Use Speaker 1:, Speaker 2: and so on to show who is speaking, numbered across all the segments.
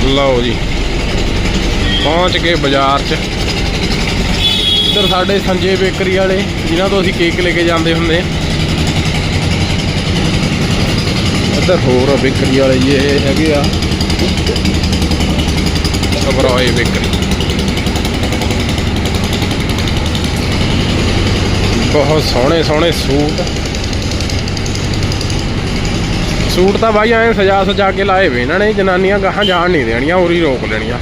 Speaker 1: ਲਓ ਜੀ ਪਹੁੰਚ ਗਏ ਬਾਜ਼ਾਰ 'ਚ। ਇੱਧਰ ਸਾਡੇ ਸੰਜੇ ਬੇਕਰੀ ਵਾਲੇ ਜਿਨ੍ਹਾਂ ਤੋਂ ਅਸੀਂ ਕੇਕ ਲੈ ਕੇ ਜਾਂਦੇ ਹੁੰਦੇ। ਇੱਧਰ ਹੋਰ ਬੇਕਰੀ ਵਾਲੇ ਜੀ ਇਹ ਹੈਗੇ ਆ ਸਬਰਾਏ ਬੇਕਰੀ। ਬਹੁਤ ਸੋਹਣੇ ਸੋਹਣੇ ਸੂਟ ਤਾਂ ਬਾਈ ਐਂ ਸਜਾ ਕੇ ਲਾਏ ਵੇ ਇਹਨਾਂ ਨੇ। ਜਨਾਨੀਆਂ ਗਾਹਾਂ ਜਾਣ ਨਹੀਂ ਦੇਣੀਆਂ, ਉਰੀ ਰੋਕ ਲੈਣੀਆਂ।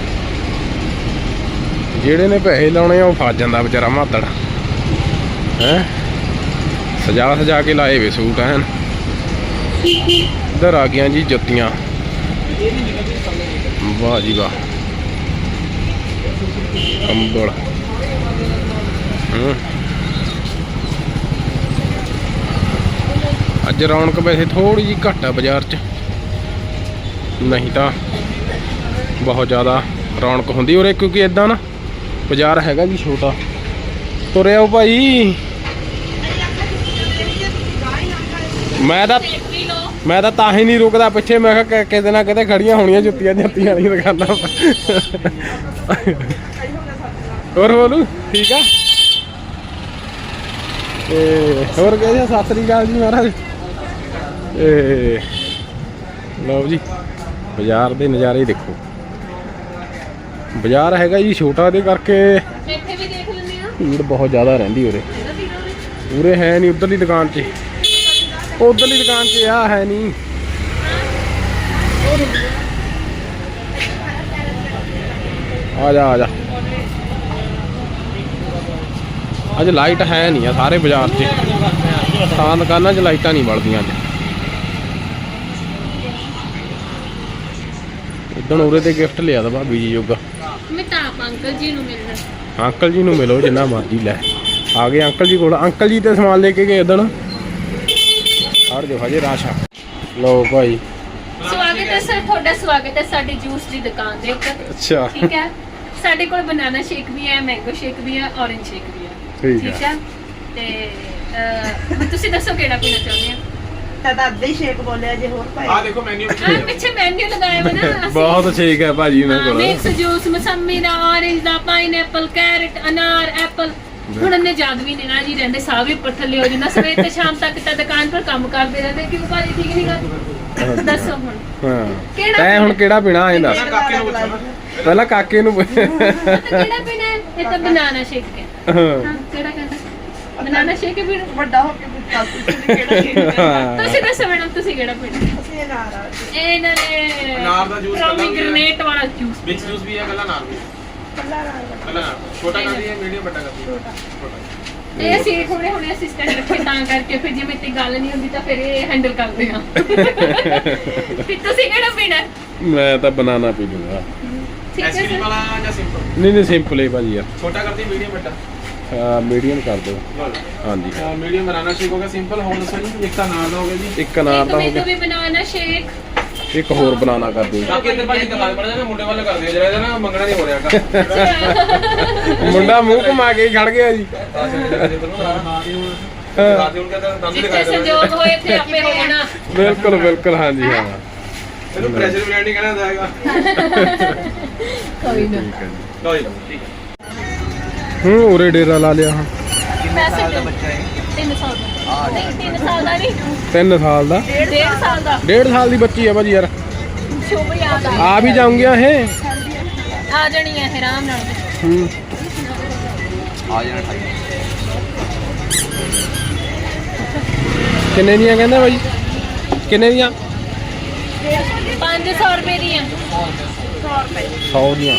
Speaker 1: ਜਿਹੜੇ ਨੇ ਪੈਸੇ ਲਾਉਣੇ ਆ ਉਹ ਫਸ ਜਾਂਦਾ ਵਿਚਾਰਾ ਮਾਤੜ ਹੈ। ਸਜਾ ਕੇ ਲਾਏ ਵੇ ਸੂਟ ਐਨ। ਇੱਧਰ ਆ ਗਈਆਂ ਜੀ ਜੁੱਤੀਆਂ। ਵਾਹ ਜੀ ਵਾਹ, ਕੰਬਲ। ਅੱਜ ਰੌਣਕ ਵੈਸੇ ਥੋੜੀ ਜਿਹੀ ਘੱਟ ਆ ਬਾਜ਼ਾਰ 'ਚ, ਨਹੀਂ ਤਾਂ ਬਹੁਤ ਜ਼ਿਆਦਾ ਰੌਣਕ ਹੁੰਦੀ ਉਰੇ, ਕਿਉਂਕਿ ਇਦਾਂ ਨਾ ਬਾਜ਼ਾਰ ਹੈਗਾ ਜੀ ਛੋਟਾ। ਤੁਰੇ ਆਓ ਭਾਈ। ਮੈਂ ਤਾਂ ਹੀ ਨਹੀਂ ਰੁਕਦਾ ਪਿੱਛੇ। ਮੈਂ ਕਿਹਾ ਕਿਤੇ ਨਾ ਕਿਤੇ ਖੜੀਆਂ ਹੋਣੀਆਂ ਜੁੱਤੀਆਂ ਵਾਲੀਆਂ ਦੁਕਾਨਾਂ। ਹੋਰ ਬੋਲੂ ਠੀਕ ਆ। ਤੇ ਹੋਰ ਕਹਿੰਦੇ ਸਤਿ ਸ੍ਰੀ ਅਕਾਲ ਜੀ ਮਹਾਰਾਜ। ਲਓ ਜੀ ਬਾਜ਼ਾਰ ਦੇ ਨਜ਼ਾਰੇ ਦੇਖੋ। ਬਾਜ਼ਾਰ ਹੈਗਾ ਜੀ ਛੋਟਾ, ਦੇ ਕਰਕੇ ਭੀੜ ਬਹੁਤ ਜ਼ਿਆਦਾ ਰਹਿੰਦੀ ਉਰੇ ਹੈ ਨਹੀਂ। ਉਧਰਲੀ ਦੁਕਾਨ 'ਚ ਆ ਹੈ ਨਹੀਂ। ਆ ਜਾ ਅੱਜ ਲਾਈਟ ਹੈ ਨਹੀਂ ਆ ਸਾਰੇ ਬਾਜ਼ਾਰ 'ਚ। ਤਾਂ ਦੁਕਾਨਾਂ 'ਚ ਲਾਈਟਾਂ ਨਹੀਂ ਬਲਦੀਆਂ ਅੱਜ। ਇਦਾਂ ਉਰੇ ਤੇ ਗਿਫਟ ਲਿਆ ਦਾ ਭਾਬੀ ਜੀ ਜੋਗਾ।
Speaker 2: ਮੈਂ ਤਾਂ ਅੰਕਲ ਜੀ ਨੂੰ ਮਿਲਣਾ।
Speaker 1: ਅੰਕਲ ਜੀ ਨੂੰ ਮਿਲੋ ਜਿੰਨਾ ਮਰਜ਼ੀ। ਲੈ ਆ ਗਏ ਅੰਕਲ ਜੀ ਕੋਲ। ਅੰਕਲ ਜੀ ਤੇ ਸਮਾਨ ਲੈ ਕੇ ਗਏ ਉਦਣ। ਹਰ ਜੋ ਹਜੇ ਰਾਸ਼ਾ। ਲਓ ਭਾਈ
Speaker 2: ਸਵਾਗਤ ਹੈ ਸਰ, ਤੁਹਾਡਾ ਸਵਾਗਤ ਹੈ ਸਾਡੀ ਜੂਸ ਦੀ ਦੁਕਾਨ ਦੇ ਉੱਤੇ।
Speaker 1: ਅੱਛਾ
Speaker 2: ਠੀਕ ਹੈ। ਸਾਡੇ ਕੋਲ ਬਨਾਨਾ ਸ਼ੇਕ ਵੀ ਹੈ, ਮੈਂਗੋ ਸ਼ੇਕ ਵੀ ਹੈ, ਔਰੇਂਜ ਸ਼ੇਕ ਵੀ ਹੈ। ਠੀਕ ਹੈ। ਤੇ ਤੁਸੀਂ ਦੱਸੋ ਕਿਹੜਾ ਪੀਣਾ ਚਾਹੁੰਦੇ ਆ?
Speaker 3: ਤਾਂ ਅੱਧੇ ਹੀ ਸ਼ੇਕ ਬੋਲਿਆ ਜੇ ਹੋਰ ਭਾਈ।
Speaker 1: ਆ ਦੇਖੋ ਮੈਨੂ
Speaker 2: ਪਿੱਛੇ ਮੈਨੂ ਲਗਾਇਆ ਵਾ ਨਾ।
Speaker 1: ਬਹੁਤ ਸ਼ੇਕ ਹੈ ਭਾਜੀ ਇਹਨਾਂ ਕੋਲ।
Speaker 2: ਮਿਕਸ ਜੂਸ, ਮਸੰਮੀ ਦਾ, ਔਰੇਂਜ ਦਾ, ਪਾਈਨਐਪਲ, ਕੈਰਟ, ਅਨਾਰ, ਐਪਲ। ਹੁਣ ਇਹਨੇ ਜਾਦਵੀ ਨੇ ਨਾ ਜੀ ਰਹਿੰਦੇ ਸਾਹ ਵੀ ਉੱਪਰ ਥੱਲੇ ਹੋ ਜਾਂਦਾ। ਸਵੇਰ ਤੇ ਸ਼ਾਮ ਤੱਕ ਤਾਂ ਦੁਕਾਨ ਪਰ ਕੰਮ ਕਰਦੇ ਰਹਿੰਦੇ। ਕਿਉਂ ਭਾਜੀ ਠੀਕ ਨਹੀਂ ਗਾ? ਦੱਸੋ ਹੁਣ
Speaker 1: ਤੈਂ ਹੁਣ ਕਿਹੜਾ ਪੀਣਾ ਇਹ ਦੱਸ। ਪਹਿਲਾਂ ਕਾਕੇ ਨੂੰ
Speaker 2: ਕਿਹੜਾ ਪੀਣਾ ਹੈ? ਇਹ ਤਾਂ ਬਨਾਨਾ ਸ਼ੇਕ ਹੈ। ਹਾਂ ਕਿਹੜਾ ਕਹਿੰਦਾ? ਬਨਾਨਾ ਸ਼ੇਕ ਵੀ
Speaker 3: ਵੱਡਾ ਹੋ ਕੇ ਕਿਹੜਾ ਸ਼ੇਕ
Speaker 2: ਤੁਸੀਂ ਦੱਸੋ ਮੈਡਮ, ਤੁਸੀਂ ਕਿਹੜਾ ਪੀਣਾ?
Speaker 3: ਅਸੀਂ ਅਨਾਰ ਆ।
Speaker 2: ਇਹਨਾਂ ਨੇ
Speaker 4: ਅਨਾਰ ਦਾ ਜੂਸ,
Speaker 2: ਗ੍ਰੇਨੇਟ ਵਾਲਾ ਜੂਸ।
Speaker 4: ਮਿਕਸ ਜੂਸ ਵੀ ਹੈ, ਕੱਲਾ ਅਨਾਰ ਵੀ। ਕੱਲਾ ਅਨਾਰ ਛੋਟਾ ਕਰਦੀ ਹੈ, ਮੀਡੀਅਮ ਵੱਡਾ ਕਰਦੀ ਹੈ। ਛੋਟਾ
Speaker 2: ਇਹ ਅਸੀਂ ਹੁਣੇ ਅਸਿਸਟੈਂਟ ਰੱਖੇ ਤਾਂ ਕਰਕੇ ਫਿਰ ਜਿਵੇਂ ਤੇ ਗੱਲ ਨਹੀਂ ਹੁੰਦੀ ਤਾਂ ਫਿਰ ਇਹ ਹੈਂਡਲ ਕਰਦੇ ਆ। ਫਿਰ ਤੁਸੀਂ ਕਿਹੜਾ ਪੀਣਾ?
Speaker 1: ਮੈਂ ਤਾਂ ਬਨਾਨਾ ਪੀ ਲੂੰਗਾ।
Speaker 2: ਠੀਕ ਹੈ
Speaker 4: ਐਸਕ੍ਰੀਮ
Speaker 2: ਸਰ।
Speaker 4: ਵਾਲਾ ਜਾਂ ਸਿੰਪਲ?
Speaker 1: ਨਹੀਂ ਸਿੰਪਲ ਹੀ ਭਾਜੀ ਯਾਰ।
Speaker 4: ਛੋਟਾ ਕਰਦੀ ਮੀਡੀਅਮ ਵੱਡਾ?
Speaker 1: ਮੀਡੀਅਮ ਕਰ ਦਿਓ। ਹਾਂਜੀ
Speaker 4: ਮੀਡੀਅਮ ਬਨਾਨਾ ਸ਼ੇਕ ਹੋ ਗਿਆ। ਸਿੰਪਲ ਹੋਰ ਦੱਸੋ ਜੀ। ਇੱਕ ਅਨਾਰ ਦਾ ਹੋ ਗਿਆ ਜੀ।
Speaker 1: ਇੱਕ ਅਨਾਰ ਦਾ ਹੋ ਗਿਆ।
Speaker 2: ਵੀ ਬਨਾਨਾ ਸ਼ੇਕ।
Speaker 1: ਇੱਕ ਹੋਰ ਬਨਾਨਾ ਕਰ ਦਿਓ।
Speaker 4: ਬਾਕੀ ਇੱਧਰ ਭਾਜੀ ਕਲਾਸ ਪੜ ਜਾਣਾ, ਮੁੰਡੇ ਵੱਲ ਕਰ ਦਿਓ ਜਰਾ। ਇਹਦਾ ਨਾ ਮੰਗਣਾ ਨਹੀਂ ਹੋ ਰਿਹਾ।
Speaker 1: ਮੁੰਡਾ ਮੂੰਹ ਘੁਮਾ ਕੇ ਖੜ ਗਿਆ ਜੀ।
Speaker 2: ਜਿੱਥੇ ਸੰਜੋਗ ਹੋਏ ਤੇ ਆਪੇ ਹੋ ਜਾਣਾ।
Speaker 1: ਬਿਲਕੁਲ ਹਾਂਜੀ ਹਾਂ।
Speaker 4: ਇਹਨੂੰ ਪ੍ਰੈਸ਼ਰ ਬਲੈਂਡ ਨਹੀਂ ਕਹਿਣਾ ਜਾਏਗਾ।
Speaker 2: ਕੋਈ ਨਾ।
Speaker 4: ਲਓ ਜੀ ਠੀਕ ਹੈ।
Speaker 1: ਉਰੇ ਡੇਰਾ ਲਾ ਲਿਆ ਹੁਣ।
Speaker 2: ਪੈਸੇ ਦਾ ਬੱਚਾ ਹੈ? 3 ਸਾਲ ਦਾ। ਨਹੀਂ 3 ਸਾਲ ਦਾ ਨਹੀਂ,
Speaker 1: 3 ਸਾਲ ਦਾ।
Speaker 2: 1.5 ਸਾਲ ਦਾ।
Speaker 1: 1.5 ਸਾਲ ਦੀ ਬੱਚੀ ਹੈ ਭਾਜੀ ਯਾਰ।
Speaker 2: ਸ਼ੁਭ ਯਾਦ
Speaker 1: ਆ ਵੀ ਜਾਊਂਗੀਆਂ ਇਹ।
Speaker 2: ਆ ਜਾਣੀ ਹੈ ਆਰਾਮ ਨਾਲ।
Speaker 4: ਆ ਜਾਣਾ।
Speaker 1: ਕਿੰਨੇ ਦੀਆਂ ਕਹਿੰਦਾ ਭਾਜੀ? ਕਿੰਨੇ ਦੀਆਂ?
Speaker 2: 500 ਰੁਪਏ ਦੀਆਂ।
Speaker 1: 100 ਦੀਆਂ।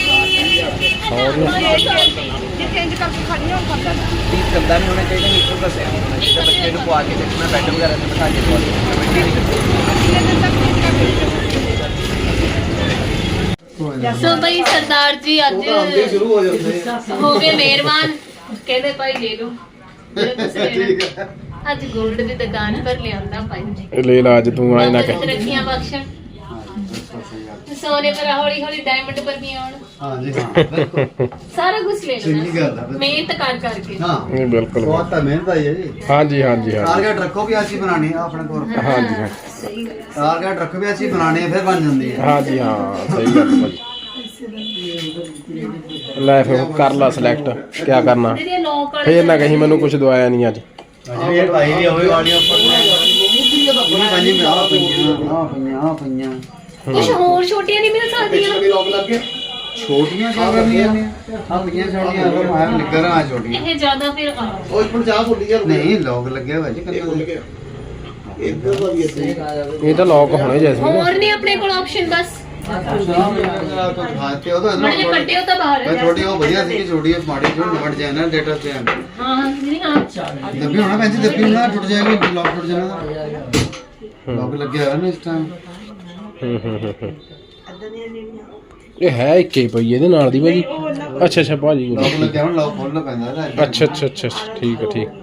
Speaker 3: ਜੇ ਚੇਂਜ ਕਰਕੇ ਖੜੀ ਹੋ ਸਕਦਾ।
Speaker 4: ਚੰਦਾ ਨਹੀਂ ਹੋਣਾ ਚਾਹੀਦਾ। ਨੀਚੋਂ ਦੱਸਿਆ ਹੋਣਾ ਚਾਹੀਦਾ। ਬੱਚੇ ਨੂੰ ਪਵਾ ਕੇ ਦੇਖਣਾ, ਬੈੱਡ ਵਗੈਰਾ ਤੇ ਬਿਠਾ ਕੇ ਪਵਾ ਕੇ ਕਮੇਟੀ ਨਹੀਂ ਕਰਦੀ।
Speaker 2: ਸੋ ਭਾਈ ਸਰਦਾਰ ਜੀ ਅੱਜ
Speaker 4: ਸ਼ੁਰੂ ਹੋ ਜਾਂਦੇ
Speaker 2: ਹੋ ਗਏ ਮਿਹਰਬਾਨ। ਕਹਿੰਦੇ ਭਾਈ ਲੈ ਲਓ ਜਿਹੜਾ ਤੁਸੀਂ ਲੈਣਾ। ਅੱਜ ਗੋਲਡ ਦੀ ਦੁਕਾਨ ਪਰ ਲਿਆਂਦਾ ਭਾਈ।
Speaker 1: ਲੈ ਲਾ ਅੱਜ ਤੂੰ ਆਏ ਨਾ ਕਹਿ।
Speaker 2: ਰੱਖੀਆਂ ਬਖਸ਼ਣ। ਸੋਨੇ ਪਰ ਹੌਲੀ ਹੌਲੀ ਡਾਇਮੰਡ ਪਰ ਵੀ ਆਉਣ
Speaker 5: ਹਾਂ ਜੀ ਹਾਂ ਬਿਲਕੁਲ
Speaker 2: ਸਾਰਾ ਕੁਝ ਲੈ
Speaker 5: ਚੰਗੀ ਗੱਲ ਆ,
Speaker 2: ਲੈਣਾ
Speaker 5: ਬਿਲਕੁਲ।
Speaker 2: ਮਿਹਨਤ ਕਰ ਕਰਕੇ
Speaker 5: ਹਾਂ
Speaker 1: ਨਹੀਂ ਬਿਲਕੁਲ
Speaker 5: ਬਹੁਤ ਤਾਂ ਮਿਹਨਤ ਆਈ ਹੈ ਜੀ
Speaker 1: ਹਾਂਜੀ ਹਾਂਜੀ ਹਾਂਜੀ
Speaker 5: ਟਾਰਗੇਟ ਰੱਖੋ ਵੀ ਅਸੀਂ ਬਣਾਣੀ ਆ ਆਪਣੇ ਕੋਲ
Speaker 1: ਹਾਂਜੀ ਹਾਂ
Speaker 2: ਸਹੀ ਗੱਲ
Speaker 5: ਟਾਰਗੇਟ ਰੱਖੋ ਵੀ ਅਸੀਂ ਬਣਾਣੀ ਹੈ ਫਿਰ ਬਣ ਜਾਂਦੀ ਹੈ
Speaker 1: ਹਾਂਜੀ ਹਾਂ ਸਹੀ ਗੱਲ ਭਾਜੀ ਲੈ ਫਿਰ ਕਰ ਲਾ ਸਿਲੈਕਟ ਕੀ ਕਰਨਾ
Speaker 2: ਇਹਦੇ ਲੋਕ ਵਾਲੇ
Speaker 1: ਫੇਰ ਨਾ ਕਹੀਂ ਮੈਨੂੰ ਕੁਝ ਦਵਾਇਆ ਨਹੀਂ ਅੱਜ
Speaker 5: ਇਹ ਭਾਈ ਦੀ ਹੋਈ ਵਾਲੀਆਂ ਉੱਪਰ ਇਹ ਪੰਜੀ ਮੈਂ ਆ ਪਈਆਂ
Speaker 2: ਕੁਝ ਹੋਰ ਛੋਟੀਆਂ ਨਹੀਂ ਮਿਲ ਸਕਦੀਆਂ
Speaker 5: ਛੋਟੀਆਂ ਕਿਉਂ ਕਰਨੀਆਂ ਨੇ ਆ ਪਈਆਂ ਛੋਟੀਆਂ ਉਹ ਮਾਰ ਨਿਕਰ ਆ ਛੋਟੀਆਂ
Speaker 2: ਇਹ ਜ਼ਿਆਦਾ ਫਿਰ
Speaker 5: ਨਹੀਂ ਲੋਕ ਲੱਗੇ ਹੋਏ ਜੀ ਕੰਨਾਂ ਦੇ
Speaker 1: ਇਹ ਤਾਂ ਲੌਕ ਹੋਣੇ ਜੈਸਮੀਨ
Speaker 2: ਹੋਰ ਨਹੀਂ ਆਪਣੇ ਕੋਲ ਆਪਸ਼ਨ ਬਸ
Speaker 5: ਖਾਤੇ ਉਹ ਤਾਂ
Speaker 2: ਬੜੇ ਕੱਟੇ ਉਹ ਤਾਂ ਬਾਹਰ
Speaker 5: ਮੈਂ ਛੋਟੀ ਉਹ ਵਧੀਆ ਸੀ ਛੋਟੀ ਮਾੜੀ ਜੋ ਨਿਮਟ ਜਾਏ ਨਾ ਡੇਟਾ ਤੇ
Speaker 2: ਹਾਂ ਨਹੀਂ ਹਾਂ
Speaker 5: ਦੱਬੀ ਹੋਣਾ ਪੈਂਦੀ ਦੱਬੀ ਹੋਣਾ ਟੁੱਟ ਜਾਏਗੀ ਲੌਕ ਟੁੱਟ ਜਾਣਾ ਲੌਕ ਲੱਗਿਆ ਹੋਇਆ ਨਾ ਇਸ ਟਾਈਮ
Speaker 1: ਇਹ ਹੈ ਇੱਕੇ ਹੀ ਪਈ ਇਹਦੇ ਨਾਲ ਦੀ ਭਾਜੀ ਅੱਛਾ ਅੱਛਾ ਭਾਜੀ
Speaker 5: ਲੌਕ ਲੱਗਿਆ ਹੁਣ ਲੌਕ ਖੋਲਣਾ ਪੈਂਦਾ ਇਹਦਾ
Speaker 1: ਅੱਛਾ ਅੱਛਾ ਅੱਛਾ ਠੀਕ ਹੈ ਠੀਕ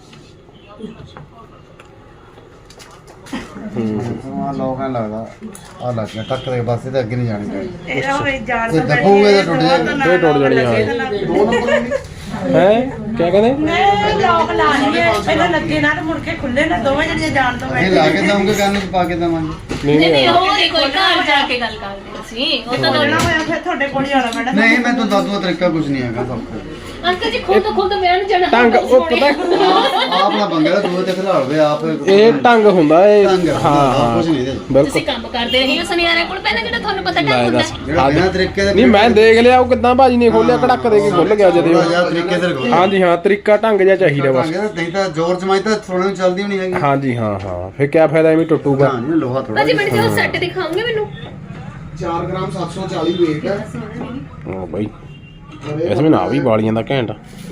Speaker 5: ਆ ਲੌਕ ਐ ਲੱਗਦਾ ਆ ਲੱਗ ਗਿਆ ਟੱਕ ਦੇ ਬਸ ਇਹਦੇ ਅੱਗੇ ਨਹੀਂ ਜਾਣੀ ਚਾਹੀਦੀ
Speaker 3: ਇਹਦਾ ਹੋਏ ਜਾਣ
Speaker 5: ਜੇ ਦੱਬੋਗੇ ਤਾਂ ਟੁੱਟ ਜਾਏਗੀ
Speaker 1: ਇਹ ਟੁੱਟ ਜਾਣੀ ਹਾਂ
Speaker 5: ਦੋ ਨੰਬਰ
Speaker 1: ਹੈ ਕੀ ਕਹਿੰਦੇ
Speaker 3: ਮੈਂ ਲੋਕ ਲਾ ਲਈਏ ਪਹਿਲਾਂ ਲੱਗੇ ਨਾ ਤੇ ਮੁੜ ਕੇ ਖੁੱਲੇ ਨਾ ਦੋਵੇਂ ਜਣੀਆਂ ਜਾਣ ਤੋਂ
Speaker 5: ਇਹ ਲਾ ਕੇ ਦਵਾਂਗੇ ਕੰਨ ਚ ਪਾ ਕੇ ਦਵਾਂਗੇ
Speaker 1: ਨਹੀਂ
Speaker 2: ਨਹੀਂ
Speaker 1: ਨਹੀਂ
Speaker 2: ਹੋਰ ਹੀ ਕੋਈ ਘਰ ਜਾ ਕੇ ਗੱਲ ਕਰਦੇ ਅਸੀਂ ਉਹ ਤਾਂ
Speaker 3: ਖੋਲਣਾ ਹੋਇਆ ਫਿਰ ਤੁਹਾਡੇ ਕੋਲ ਹੀ ਆਉਣਾ ਮੈਡਮ
Speaker 5: ਨਹੀਂ ਮੈਂ ਤਾਂ ਦੱਸੂਗਾ ਤਰੀਕਾ ਕੁਝ ਨਹੀਂ ਹੈਗਾ ਸਭ ਕੁਝ
Speaker 2: ਅੰਕਲ ਜੀ ਖੁਦ ਮੈਂ ਨੂੰ ਜਾਣਾ
Speaker 1: ਢੰਗ ਉਹ ਪਤਾ
Speaker 5: ਆਪ ਨਾ ਬੰਗਲਾ ਦੂਏ ਤੇ ਖਿਲਾੜ ਵੇ ਆਪ
Speaker 1: ਇਹ ਢੰਗ ਹੁੰਦਾ ਇਹ
Speaker 5: ਢੰਗ
Speaker 1: ਹਾਂ ਹਾਂ
Speaker 5: ਕੁਝ ਨਹੀਂ ਇਹਦੇ
Speaker 1: ਬਿਲਕੁਲ
Speaker 2: ਤੁਸੀਂ ਕੰਮ ਕਰਦੇ ਰਹੇ ਹੋ ਸੁਨਿਆਰੇ ਕੋਲ ਪਹਿਲਾਂ ਜਿਹੜਾ ਤੁਹਾਨੂੰ ਪਤਾ
Speaker 1: ਲੈ
Speaker 2: ਢੰਗ ਹੁੰਦਾ
Speaker 1: ਦੱਸ
Speaker 5: ਜਿਹੜਾ ਬਿਨਾਂ ਤਰੀਕੇ ਦੇ
Speaker 1: ਨਹੀਂ ਮੈਂ ਦੇਖ ਲਿਆ ਉਹ ਕਿਦਾਂ ਭਾਜੀ ਨੇ ਖੋਲਿਆ ਕੜਕ ਦੇ ਕੇ ਖੁੱਲ ਗਿਆ ਜਦੇ ਉਹ।
Speaker 5: ਜਾਂ ਤਰੀਕੇ ਦੇ ਰਖੋ
Speaker 1: ਹਾਂਜੀ ਹਾਂ ਤਰੀਕਾ ਢੰਗ ਜਿਹਾ ਚਾਹੀਦਾ ਬਸ
Speaker 5: ਨਹੀਂ ਤਾਂ ਜ਼ੋਰ ਜਮਾਈ ਤਾਂ ਥੋੜੇ ਨੂੰ ਚੱਲਦੀ ਹੋਣੀ ਹੈਗੀ
Speaker 1: ਹਾਂਜੀ ਹਾਂ ਹਾਂ ਫਿਰ ਕੀ ਫਾਇਦਾ ਐਵੇਂ ਟੁੱਟੂਗਾ
Speaker 5: ਹਾਂ ਨਹੀਂ ਲੋਹਾ ਥੋੜਾ
Speaker 2: ਭਾਜੀ ਮੈਨੂੰ ਜੋ ਸੈੱਟ ਦਿਖਾਉਂਗੇ ਮੈਨੂੰ
Speaker 5: 4 ਗ੍ਰਾਮ 740 weight ਹੈ
Speaker 1: ਉਹ ਬਾਈ ਇਸ ਵਿੱਚ ਨਾ ਵੀ ਵਾਲੀਆਂ ਦਾ ਘੈਂਟ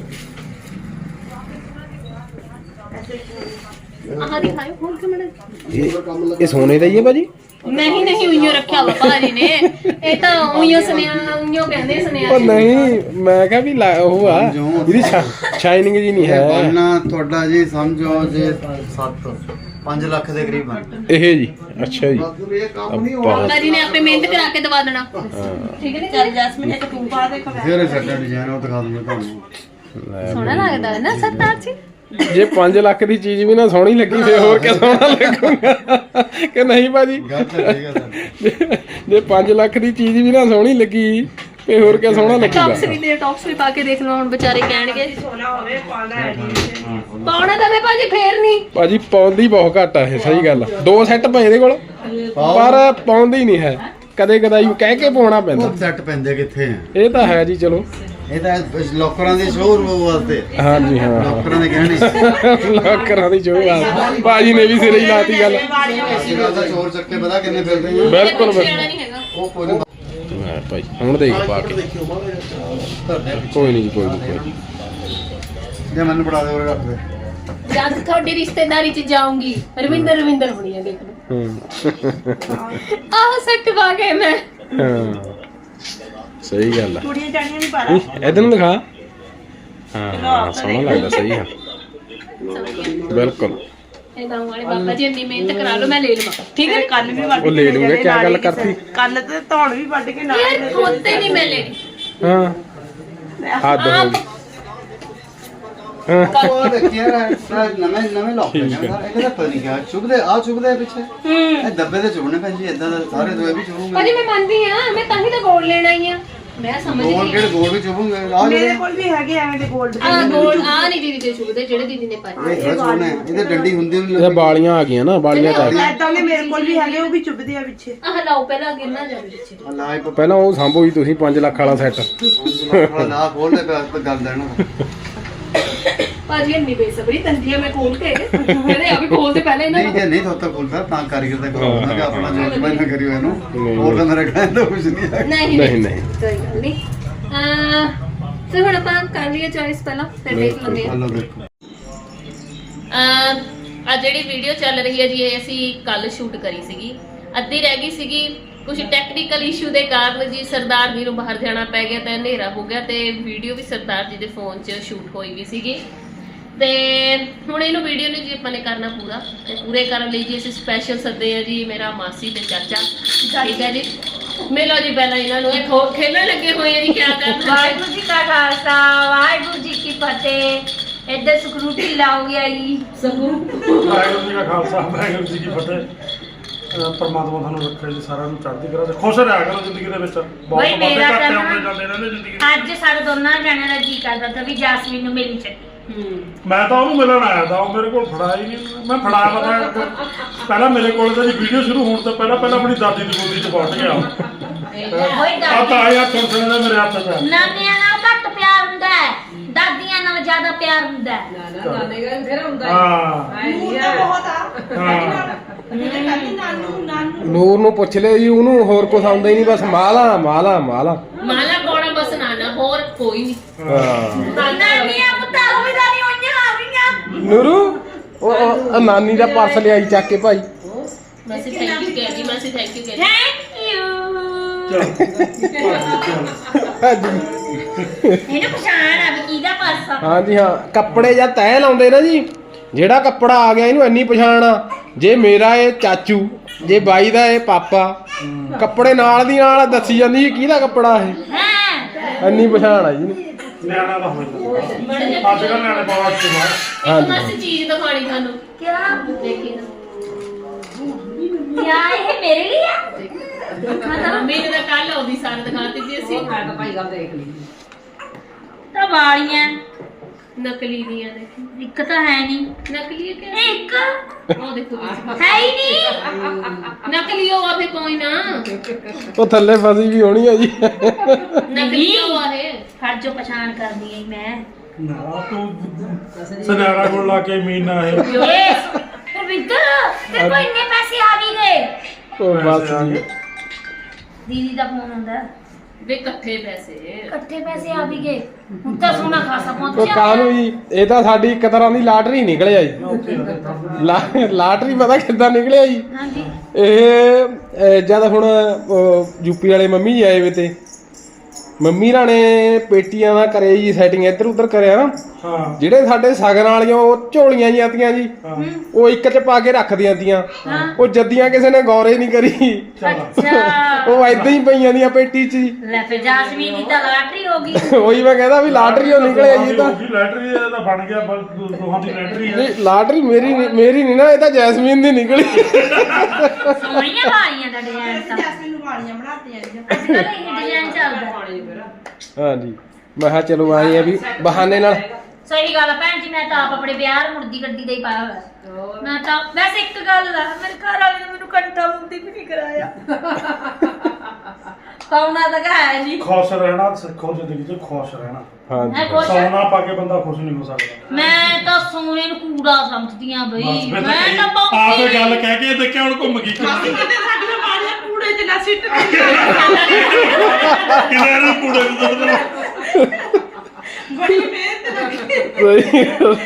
Speaker 2: ਆਹ ਦਿਖਾਓ ਹੋਰ ਕਿ ਮੈਨੂੰ
Speaker 1: ਇਹ ਸੋਨੇ ਦਾ ਹੀ ਹੈ ਭਾਜੀ
Speaker 2: ਨਹੀਂ ਨਹੀਂ ਉਈਓ ਰੱਖਿਆ ਵਾ ਭਾਜੀ ਨੇ ਇਹ ਤਾਂ ਉਈਓ ਉਈਓ ਕਹਿੰਦੇ
Speaker 1: ਉਹ
Speaker 2: ਸੁਨਿਆਰੇ
Speaker 1: ਨਹੀਂ ਮੈਂ ਕਿਹਾ ਵੀ ਉਹ ਆ ਇਹਦੀ ਸ਼ਾਈਨਿੰਗ ਜੀ ਨਹੀਂ
Speaker 5: ਇਹ
Speaker 1: ਹੈ
Speaker 5: ਬਣਨਾ ਤੁਹਾਡਾ ਜੀ ਸਮਝੋ ਜੇ 5 ਲੱਖ ਦੇ ਕਰੀਬ ਬਣ
Speaker 1: ਇਹ ਜੀ ਅੱਛਾ ਜੀ
Speaker 5: ਇਹ ਕੰਮ ਨਹੀਂ
Speaker 1: ਬਹੁਤ
Speaker 2: ਭਾਜੀ ਨੇ ਆਪੇ ਮਿਹਨਤ ਕਰਾ ਕੇ ਦਵਾ ਦੇਣਾ ਠੀਕ ਹੈ ਨੀ
Speaker 3: ਚੱਲ ਜੈਸਮੀਨ ਇੱਕ ਤੂੰ ਪਾ ਦੇ
Speaker 5: ਫਿਰ ਸੈਟਾ ਡਿਜ਼ਾਈਨ ਉਹ ਦਿਖਾ ਦੂੰਗਾ ਤੁਹਾਨੂੰ
Speaker 2: ਸੋਹਣਾ ਲੱਗਦਾ ਹੈ ਨਾ ਸਰਦਾਰ ਜੀ
Speaker 1: ਜੇ 5 ਲੱਖ ਦੀ ਚੀਜ਼ ਵੀ ਨਾ ਸੋਹਣੀ ਲੱਗੀ ਫੇਰ ਹੋਰ ਕਿਆ ਸੋਹਣਾ ਲੱਗੂਗਾ ਕਿ ਨਹੀਂ ਭਾਜੀ
Speaker 5: ਗੱਲ ਤਾਂ ਠੀਕ ਹੈ ਸਰ
Speaker 1: ਜੇ 5 ਲੱਖ ਦੀ ਚੀਜ਼ ਵੀ ਨਾ ਸੋਹਣੀ ਲੱਗੀ ਫੇਰ ਹੋਰ ਕਿਆ ਸੋਹਣਾ ਲੱਗੂਗਾ
Speaker 2: ਟੌਪਸ ਵੀ ਦੇ ਟੌਪਸ ਵੀ ਪਾ ਕੇ ਦੇਖ ਲਓ ਹੁਣ ਵਿਚਾਰੇ ਕਹਿਣਗੇ
Speaker 3: ਸੋਨਾ ਹੋਵੇ ਪਾਣਾ ਹੈ ਜੀ
Speaker 2: ਪਾਉਣਾ ਤਾਂ ਵੇ ਭਾਜੀ ਫੇਰ ਨਹੀਂ
Speaker 1: ਭਾਜੀ ਪਾਉਂਦੀ ਬਹੁਤ ਘੱਟ ਆ ਇਹ ਸਹੀ ਗੱਲ ਆ। 2 ਸੈੱਟ ਪਏ ਇਹਦੇ ਕੋਲ ਪਰ ਪਾਉਂਦੀ ਨਹੀਂ ਹੈ ਕਦੇ ਕਦਾਈ ਕਹਿ ਕੇ ਪਾਉਣਾ ਪੈਂਦਾ
Speaker 5: ਉਹ ਸੈੱਟ ਪੈਂਦੇ ਕਿੱਥੇ ਆ
Speaker 1: ਇਹ ਤਾਂ ਹੈ ਜੀ ਚਲੋ
Speaker 5: ਇਹ ਤਾਂ ਲੋਕਰਾਂ ਦੇ ਸ਼ੋਅਰੂਮ ਵਾਸਤੇ
Speaker 1: ਹਾਂਜੀ ਹਾਂ
Speaker 5: ਲੋਕਰਾਂ ਦੇ ਗਹਿਣੇ
Speaker 1: ਲੋਕਰਾਂ ਦੀ ਜੋ ਆ ਭਾਜੀ ਨੇ ਵੀ ਸਿਰੇ ਹੀ ਲਾਤੀ ਗੱਲ
Speaker 5: ਅਸੀਂ ਗੱਲ ਦਾ ਚੋਰ ਚੱਕੇ ਪਤਾ ਕਿੰਨੇ ਫਿਰਦੇ ਆ
Speaker 1: ਬਿਲਕੁਲ
Speaker 2: ਸਿਆਣਾ ਨਹੀਂ ਹੈਗਾ
Speaker 5: ਉਹ ਕੋਈ ਨਹੀਂ
Speaker 1: ਹਾਂ ਭਾਈ ਹੁਣ ਦੇਖ ਪਾ ਕੇ ਕੋਈ ਨਹੀਂ ਕੋਈ ਨਹੀਂ
Speaker 5: ਜੇ ਮੈਨੂੰ ਪੜਾ ਦੇ ਉਹ ਰੱਖ ਦੇ
Speaker 2: ਜਦ ਤੁਹਾਡੀ ਰਿਸ਼ਤੇਦਾਰੀ ਚ ਜਾਊਂਗੀ ਰਵਿੰਦਰ ਹੋਣੀ ਹੈ ਦੇਖ ਲਓ
Speaker 1: ਹੂੰ
Speaker 2: ਆਹ ਸੈੱਟ ਪਾ ਕੇ ਮੈਂ
Speaker 1: ਹਾਂ ਸਹੀ ਗੱਲ ਆ
Speaker 3: ਕੁੜੀਆਂ ਜਾਣੀਆਂ ਨਹੀਂ ਪਾਣਾ
Speaker 1: ਇਧਰ ਨੂੰ ਦਿਖਾ ਹਾਂ ਸੋਹਣਾ ਲੱਗਦਾ ਸਹੀ ਆ ਬਿਲਕੁਲ
Speaker 2: ਇਹ ਗਾਉਂ ਵਾਲੇ ਬਾਬਾ ਜੀ ਇੰਨੀ ਮਿਹਨਤ ਕਰਾ ਲਓ ਮੈਂ ਲੈ ਲਵਾਂ ਠੀਕ ਹੈ
Speaker 3: ਕੰਨ ਵੀ ਵੱਢ
Speaker 1: ਉਹ ਲੈ ਲੂੰਗੇ ਕੀ ਗੱਲ ਕਰਤੀ
Speaker 3: ਕੰਨ ਤੇ ਧੌਣ ਵੀ ਵੱਢ ਕੇ ਨਾਲ
Speaker 2: ਯਾਰ ਖੋਤੇ ਨਹੀਂ ਮੈਂ ਲੈਣੀ
Speaker 1: ਹਾਂ ਹੱਦ ਹੋ ਗਈ ਹਾਂ
Speaker 5: ਉਹ ਦੇਖਿਆ ਨਵੇਂ ਲੋਕ ਨੇ ਇਹਦਾ ਤਾਂ ਪਤਾ ਨਹੀਂ ਕਿਆ ਚੁਭਦੇ ਆ ਚੁਭਦੇ ਪਿੱਛੇ ਇਹ ਦੱਬੇ ਤੇ ਚੁਭਣੇ ਪੈਂਦੀ ਇਦਾਂ ਦਾ ਸਾਰੇ ਦੋਏ ਵੀ ਚੁਭੂਗੇ
Speaker 2: ਭਾਜੀ ਮੈਂ ਮੰਨਦੀ ਆ ਮੈਂ ਤਾਂ ਹੀ ਤਾਂ ਗੋਲ ਲੈਣ ਆਈ ਆ ਮੈਂ ਸਮਝ
Speaker 5: ਗੋਲ
Speaker 2: ਗਈ
Speaker 5: ਕਿਹੜੇ ਗੋਲ ਵੀ ਚੁਭੂਗੇ ਆ
Speaker 3: ਮੇਰੇ
Speaker 5: ਜਿਹੜੇ
Speaker 3: ਕੋਲ ਵੀ ਹੈਗੇ ਐਵੇਂ ਦੇ 골ਡ
Speaker 2: ਆ ਗੋਲ ਆ ਨਹੀਂ ਦੀਦੀ ਦੇ ਚੁਗਦੇ ਜਿਹੜੇ ਦੀਦੀ ਨੇ ਪਾਏ
Speaker 5: ਇਹ ਥੋੜਾ ਚੁਭਣੇ ਇਹਦੇ ਡੰਡੀ ਹੁੰਦੀ ਨਹੀਂ
Speaker 1: ਇਹ ਬਾਲੀਆਂ ਆ ਗਈਆਂ ਨਾ ਬਾਲੀਆਂ ਚ ਆ ਗਈਆਂ
Speaker 3: ਐਦਾਂ ਦੇ ਮੇਰੇ ਕੋਲ ਵੀ ਹੈਗੇ ਉਹ ਵੀ ਚੁੱਭਦੇ ਆ ਪਿੱਛੇ
Speaker 2: ਆਹ ਲਾਓ ਪਹਿਲਾਂ ਗਿਰਨਾ ਜਾਵੇ ਪਿੱਛੇ
Speaker 5: ਲਾਈ
Speaker 1: ਪਹਿਲਾਂ ਉਹ ਸਾਂਭੋ ਜੀ ਤੁਸੀਂ 5 ਲੱਖ ਵਾਲਾ ਸੈੱਟ
Speaker 5: ਥੋੜਾ ਨਾ ਖੋਲਦੇ ਪਿਆ ਗੱਲ ਦੇਣਾ
Speaker 2: ਭਾਜੀ ਇੰਨੀ ਬੇਸਬਰੀ ਤੰਦੀ ਮੈਂ ਖੋਲ ਕੇ ਇਹਦੇ ਆ ਵੀ ਖੋਲਦੇ ਪਹਿਲਾਂ ਇਹਨਾਂ
Speaker 5: ਨਹੀਂ ਜੇ ਨਹੀਂ ਥੋਤਾ ਖੋਲਦਾ ਤਾਂ ਕਾਰੀਗਰ ਦਾ ਕਰਾਉਣਾ ਕਿ ਆਪਣਾ ਜੋ ਜਮਾਈ ਨਾ ਕਰਿਓ ਇਹਨੂੰ ਹੋਰ ਤਾਂ ਮੇਰਾ ਕਹਿੰਦਾ ਕੁਝ ਨਹੀਂ ਹੈ
Speaker 2: ਨਹੀਂ
Speaker 1: ਨਹੀਂ ਨਹੀਂ
Speaker 2: ਕੋਈ ਗੱਲ ਨਹੀਂ ਤੇ ਹੁਣ ਆਪਾਂ ਕਰ ਲਈਏ ਚੋਇਸ ਪਹਿਲਾਂ ਫਿਰ ਦੇਖ ਲੈਂਦੇ
Speaker 5: ਹਲੋ ਦੇਖੋ
Speaker 2: ਆ ਜਿਹੜੀ ਵੀਡੀਓ ਚੱਲ ਰਹੀ ਹੈ ਜੀ ਇਹ ਅਸੀਂ ਕੱਲ ਸ਼ੂਟ ਕਰੀ ਸੀਗੀ ਅੱਧੀ ਰਹਿ ਗਈ ਸੀਗੀ ਕੁਝ ਟੈਕਨੀਕਲ ਇਸ਼ੂ ਦੇ ਕਾਰਨ ਜੀ ਸਰਦਾਰ ਜੀ ਨੂੰ ਬਾਹਰ ਜਾਣਾ ਪੈ ਗਿਆ ਤੇ ਹਨੇਰਾ ਹੋ ਗਿਆ ਤੇ ਵੀਡੀਓ ਵੀ ਸਰਦਾਰ ਜੀ ਦੇ ਫੋਨ 'ਚ ਸ਼ੂਟ ਹੋਈ ਵੀ ਸੀਗੀ ਤੇ ਹੁਣ ਇਹਨੂੰ ਵੀਡੀਓ ਨੂੰ ਜੀ ਆਪਾਂ ਨੇ ਕਰਨਾ ਪੂਰਾ ਤੇ ਪੂਰੇ ਕਰਨ ਲਈ ਜੀ ਅਸੀਂ ਸਪੈਸ਼ਲ ਸੱਦੇ ਆ ਜੀ ਮੇਰਾ ਮਾਸੀ ਤੇ ਚਾਚਾ ਠੀਕ ਹੈ ਜੀ ਮਿਲੋ ਜੀ ਪਹਿਲਾਂ ਇਹਨਾਂ ਨੂੰ ਇਹ ਖੇਲਣ ਲੱਗੇ ਹੋਏ ਆ ਜੀ ਕਿਆ ਕਰਨਾ
Speaker 6: ਵਾਹਿਗੁਰੂ ਜੀ ਕਾ ਖਾਲਸਾ ਵਾਹਿਗੁਰੂ ਜੀ ਕੀ ਫਤਿਹ। ਇੱਧਰ ਸਕਰੂਟੀ ਲਾਉਂਗੇ ਆਈ
Speaker 7: ਵਾਹਿਗੁਰੂ ਜੀ ਕਾ ਖਾਲਸਾ ਵਾਹਿਗੁਰੂ ਜੀ ਕੀ ਫਤਿਹ। ਪਰਮਾਤਮਾ ਤੁਹਾਨੂੰ ਰੱਖੇ ਜੀ ਸਾਰਿਆਂ ਨੂੰ ਚੜ੍ਹਦੀ ਕਲਾ ਚ ਖੁਸ਼ ਰਿਹਾ ਕਰੋ ਜ਼ਿੰਦਗੀ ਦੇ ਵਿੱਚ। ਬਹੁਤ
Speaker 6: ਬਈ ਮੇਰਾ
Speaker 7: ਘਾਟੇ
Speaker 6: ਤਾਂ
Speaker 7: ਆਉਂਦੇ ਜਾਂਦੇ ਰਹਿੰਦੇ ਜ਼ਿੰਦਗੀ
Speaker 6: ਅੱਜ ਸਾਡੇ ਦੋਨਾਂ ਜਣਿਆਂ ਦਾ ਜੀ ਕਰਦਾ ਤਾਂ ਵੀ ਜਾਸਮੀਨ ਨੂੰ ਮਿਲਣੀ ਚਾਹੀਦੀ।
Speaker 7: ਮੈਂ ਤਾਂ ਉਹਨੂੰ ਮਿਲਣ ਆਇਆ ਤਾਂ ਉਹ ਮੇਰੇ ਕੋਲ ਫੜਾਇਆ ਹੀ ਨਹੀਂ। ਮੈਂ ਫੜਾ ਪਤਾ ਪਹਿਲਾਂ ਮੇਰੇ ਕੋਲ ਤਾਂ ਜੀ ਵੀਡੀਓ ਸ਼ੁਰੂ ਹੋਣ ਤੋਂ ਪਹਿਲਾਂ ਆਪਣੀ ਦਾਦੀ ਦੀ ਗੋਦੀ 'ਚ ਪਹੁੰਚ ਗਿਆ
Speaker 6: ਹੋਈ
Speaker 7: ਆ ਤਾਂ ਆਇਆ ਸੁਣ ਦਾ ਮੇਰੇ ਹੱਥ 'ਚ ਆ।
Speaker 6: ਨਾਨੀਆਂ ਨਾਲ ਘੱਟ ਪਿਆਰ ਹੁੰਦਾ ਹੈ, ਦਾਦੀਆਂ ਨਾਲ ਜ਼ਿਆਦਾ ਪਿਆਰ ਹੁੰਦਾ ਹੈ।
Speaker 7: ਹਾਂ
Speaker 3: ਨੂਰ ਤਾਂ ਬਹੁਤ ਆ
Speaker 7: ਹਾਂ
Speaker 3: ਨਾਨੂ
Speaker 1: ਨੂਰ ਨੂੰ ਪੁੱਛ ਲਿਓ ਜੀ, ਉਹਨੂੰ ਹੋਰ ਕੁਝ ਆਉਂਦਾ ਹੀ ਨਹੀਂ, ਬਸ ਮਾਲਾ ਮਾਲਾ ਮਾਲਾ
Speaker 2: ਮਾਲਾ ਕੋਣਾ ਬਸ ਨਾਨਾ ਹੋਰ ਕੋਈ ਨਹੀਂ
Speaker 1: ਹਾਂ।
Speaker 6: ਨਾਨੀਆਂ ਪੁੱਤਾਂ ਵੀ ਦਾਦੀ ਹੋਈਆਂ ਆ ਗਈਆਂ।
Speaker 1: ਨੂਰੂ ਉਹ ਨਾਨੀ ਦਾ ਪਾਰਸਲ ਲਿਆਈ ਚੱਕ ਕੇ ਭਾਈ।
Speaker 2: ਮਾਸੀ ਥੈਂਕ ਯੂ ਕਹਿ ਜੀ ਮਾਸੀ ਥੈਂਕ ਯੂ ਕਹਿ
Speaker 6: ਥੈਂਕ ਯੂ।
Speaker 1: ਹਾਂਜੀ
Speaker 6: ਇਹਨੂੰ ਪਛਾਣ ਆ ਵੀ ਕਿਹਦਾ ਪਰਸ ਆ।
Speaker 1: ਹਾਂਜੀ ਹਾਂ, ਕੱਪੜੇ ਜਾਂ ਤਹਿ ਲਾਉਂਦੇ ਨਾ ਜੀ, ਜਿਹੜਾ ਕੱਪੜਾ ਆ ਗਿਆ ਇਹਨੂੰ ਇੰਨੀ ਪਛਾਣ ਆ, ਜੇ ਮੇਰਾ ਇਹ ਚਾਚੂ, ਜੇ ਬਾਈ ਦਾ ਇਹ ਪਾਪਾ, ਕੱਪੜੇ ਨਾਲ ਦੀ ਨਾਲ ਦੱਸੀ ਜਾਂਦੀ ਕਿਹਦਾ ਕੱਪੜਾ ਇਹ,
Speaker 6: ਹਾਂ
Speaker 1: ਇੰਨੀ ਪਛਾਣ ਆ ਜੀ ਇਹਨੂੰ।
Speaker 7: ਨਿਆਣਾ ਤਾਂ ਹੋਇਆ ਅੱਜ ਕੱਲ੍ਹ ਨਿਆਣੇ ਬਹੁਤ ਇਸਤੇਮਾਲ।
Speaker 2: ਇੱਕ ਮਾਸੀ ਚੀਜ਼ ਦਿਖਾਣੀ ਤੁਹਾਨੂੰ
Speaker 6: ਕਿਆ
Speaker 2: ਦੇਖੀ ਨਾ
Speaker 6: ਕਿਆ ਇਹ ਮੇਰੇ ਲਈ ਆ।
Speaker 2: ਮੇਰੇ ਦਾ ਕੱਲ ਆਉਂਦੀ ਸਾਰ ਦਿਖਾਤੀ ਜੀ ਅਸੀਂ
Speaker 6: ਤਾਂ ਵਾਲੀਆਂ
Speaker 2: ਨਕਲੀ ਦੀਆਂ ਦੇਖੀ
Speaker 6: ਇੱਕ ਤਾਂ ਹੈ ਨਹੀਂ।
Speaker 2: ਨਕਲੀ ਹੈ ਕਿ
Speaker 6: ਇੱਕ
Speaker 2: ਉਹ ਦੇਖੋ ਵਿੱਚ।
Speaker 6: ਹੈ ਹੀ ਨਹੀਂ।
Speaker 2: ਨਕਲੀ ਹੋ ਆ ਫੇ ਕੋਈ ਨਾ
Speaker 1: ਉਹ ਥੱਲੇ ਫਸੀ ਵੀ ਹੋਣੀ ਆ ਜੀ।
Speaker 2: ਨਕਲੀ ਹੋ ਆ ਇਹ
Speaker 6: ਫੜ ਜੋ ਪਛਾਣ ਕਰਦੀ ਐ ਮੈਂ।
Speaker 7: ਨਾ ਤੂੰ ਸੁਨਿਆਰਾ ਕੋਲ ਲਾ ਕੇ ਮੀਨਾ ਇਹ
Speaker 6: ਇਹ ਰਵਿੰਦਰ ਤੇ ਕੋਈ ਇੰਨੇ ਪੈਸੇ ਆ ਵੀ ਗਏ।
Speaker 1: ਉਹ ਬਸ ਜੀ,
Speaker 6: ਦੀਦੀ ਦਾ ਫੋਨ ਹੁੰਦਾ
Speaker 2: ਵੇ ਇਕੱਠੇ ਪੈਸੇ
Speaker 6: ਇਕੱਠੇ ਪੈਸੇ ਆ ਵੀ ਗਏ। ਹੁਣ ਤਾਂ ਸੋਨਾ ਖਾਸਾ
Speaker 1: ਉਹ
Speaker 6: ਪਹੁੰਚਿਆ।
Speaker 1: ਕਾਹਨੂੰ ਜੀ, ਇਹ ਤਾਂ ਸਾਡੀ ਇੱਕ ਤਰ੍ਹਾਂ ਦੀ ਲਾਟਰੀ ਨਿਕਲਿਆ ਜੀ। ਲਾਟਰੀ ਪਤਾ ਕਿੱਦਾਂ ਨਿਕਲਿਆ ਜੀ?
Speaker 6: ਹਾਂਜੀ
Speaker 1: ਇਹ ਜਦ ਹੁਣ ਯੂਪੀ ਵਾਲੇ ਮੰਮੀ ਜੀ ਆਏ ਵੇ ਤੇ ਮੰਮੀ ਰਾਂ ਨੇ ਪੇਟੀਆਂ ਦਾ ਕਰੇ ਜੀ ਸੈਟਿੰਗ ਇੱਧਰ ਉੱਧਰ ਕਰਿਆ ਨਾ,
Speaker 7: ਹਾਂ
Speaker 1: ਜਿਹੜੇ ਸਾਡੇ ਸਗਨ ਵਾਲੀਆਂ ਉਹ ਝੋਲੀਆਂ ਜੀਆਂ ਤੀਆਂ ਜੀ, ਉਹ ਇੱਕ ਚ ਪਾ ਕੇ ਰੱਖਦੀਆਂ ਤੀਆਂ, ਉਹ ਜੱਦੀਆਂ ਕਿਸੇ ਨੇ ਗੌਰੇ ਨਹੀਂ ਕਰੀ,
Speaker 6: ਅੱਛਾ
Speaker 1: ਉਹ ਏਦਾਂ ਹੀ ਪਈਆਂ ਦੀਆਂ ਪੇਟੀ 'ਚ ਜੀ।
Speaker 6: ਲੈ ਫਿਰ ਜਾਸਮੀਨ ਦੀ ਤਾਂ ਲਾਟਰੀ ਹੋ ਗਈ।
Speaker 1: ਉਹੀ ਮੈਂ ਕਹਿੰਦਾ ਵੀ ਲਾਟਰੀ ਉਹ ਨਿਕਲਿਆ ਜੀ। ਇਹ ਤਾਂ
Speaker 7: ਲੈਟਰੀ ਦਾ ਬਣ ਗਿਆ ਦੋਹਾਂ ਦੀ ਲੈਟਰੀ ਹੈ।
Speaker 1: ਨਹੀਂ, ਲਾਟਰੀ ਮੇਰੀ ਨਹੀਂ ਨਾ, ਇਹ ਤਾਂ ਜੈਸਮੀਨ ਦੀ ਨਿਕਲੀ।
Speaker 6: ਸੋਹਣੀਆਂ ਵਾਲੀਆਂ ਦਾ ਡਿਜ਼ਾਈਨ ਤਾਂ
Speaker 3: ਜੈਸਮੀਨ ਨੂੰ ਵਾਲੀਆਂ ਬਣਾਤੀਆਂ ਜੀ।
Speaker 6: ਅੱਜ ਕੱਲ੍ਹ ਇਹ ਡਿਜ਼ਾਈਨ ਚੱਲਦਾ।
Speaker 1: ਹਾਂਜੀ ਮੈਂ ਕਿਹਾ ਚਲੋ ਆਏ ਆ ਵੀ ਬਹਾਨੇ ਨਾਲ।
Speaker 6: ਸਹੀ ਗੱਲ ਆ ਭੈਣ ਜੀ, ਮੈਂ ਤਾਂ ਆਪ ਆਪਣੇ ਵਿਆਹ ਮੁਰਦੀ ਗੱਡੀ ਦਾ ਹੀ ਪਾਇਆ ਹੋਇਆ। ਮੈਂ ਤਾਂ ਵੈਸੇ ਇੱਕ ਗੱਲ ਆ, ਮੇਰੇ ਘਰ ਵਾਲੇ ਨੇ ਮੈਨੂੰ ਘੰਟਾ ਮੁੰਦੀ ਵੀ ਨਹੀਂ ਕਰਾਇਆ। ਪਾਉਣਾ ਤਾਂ ਹੈ ਨਹੀਂ।
Speaker 7: ਖੁਸ਼ ਰਹਿਣਾ ਸਿੱਖੋ ਜ਼ਿੰਦਗੀ 'ਚ, ਖੁਸ਼ ਰਹਿਣਾ।
Speaker 1: ਹਾਂਜੀ
Speaker 6: ਮੈਂ ਖੁਸ਼ ਆ।
Speaker 7: ਸੋਨਾ ਪਾ ਕੇ ਬੰਦਾ ਖੁਸ਼ ਨਹੀਂ ਹੋ ਸਕਦਾ।
Speaker 6: ਮੈਂ ਤਾਂ ਸੋਨੇ ਨੂੰ ਕੂੜਾ ਸਮਝਦੀ ਆ ਬਈ।
Speaker 7: ਬਸ ਫਿਰ
Speaker 6: ਮੈਂ
Speaker 7: ਤਾਂ
Speaker 6: ਤਾਂ
Speaker 7: ਆਪੇ ਗੱਲ ਕਹਿ ਕੇ ਦੇਖਿਆ ਹੁਣ ਘੁੰਮ ਗਈ
Speaker 3: ਮਾਸੀ ਕਹਿੰਦੇ ਸਾਡੀਆਂ ਵਾਲੀਆਂ ਕੂੜੇ 'ਚ ਨਾ ਸਿੱਟ
Speaker 7: ਕਿਹਨੇ ਨੂੰ ਕੂੜੇ ਨੂੰ ਸੁੱਟ ਦੇਣਾ।
Speaker 3: ਬੜੀ ਮਿਹਨਤ ਲੱਗੀ।
Speaker 1: ਸਹੀ ਗੱਲ।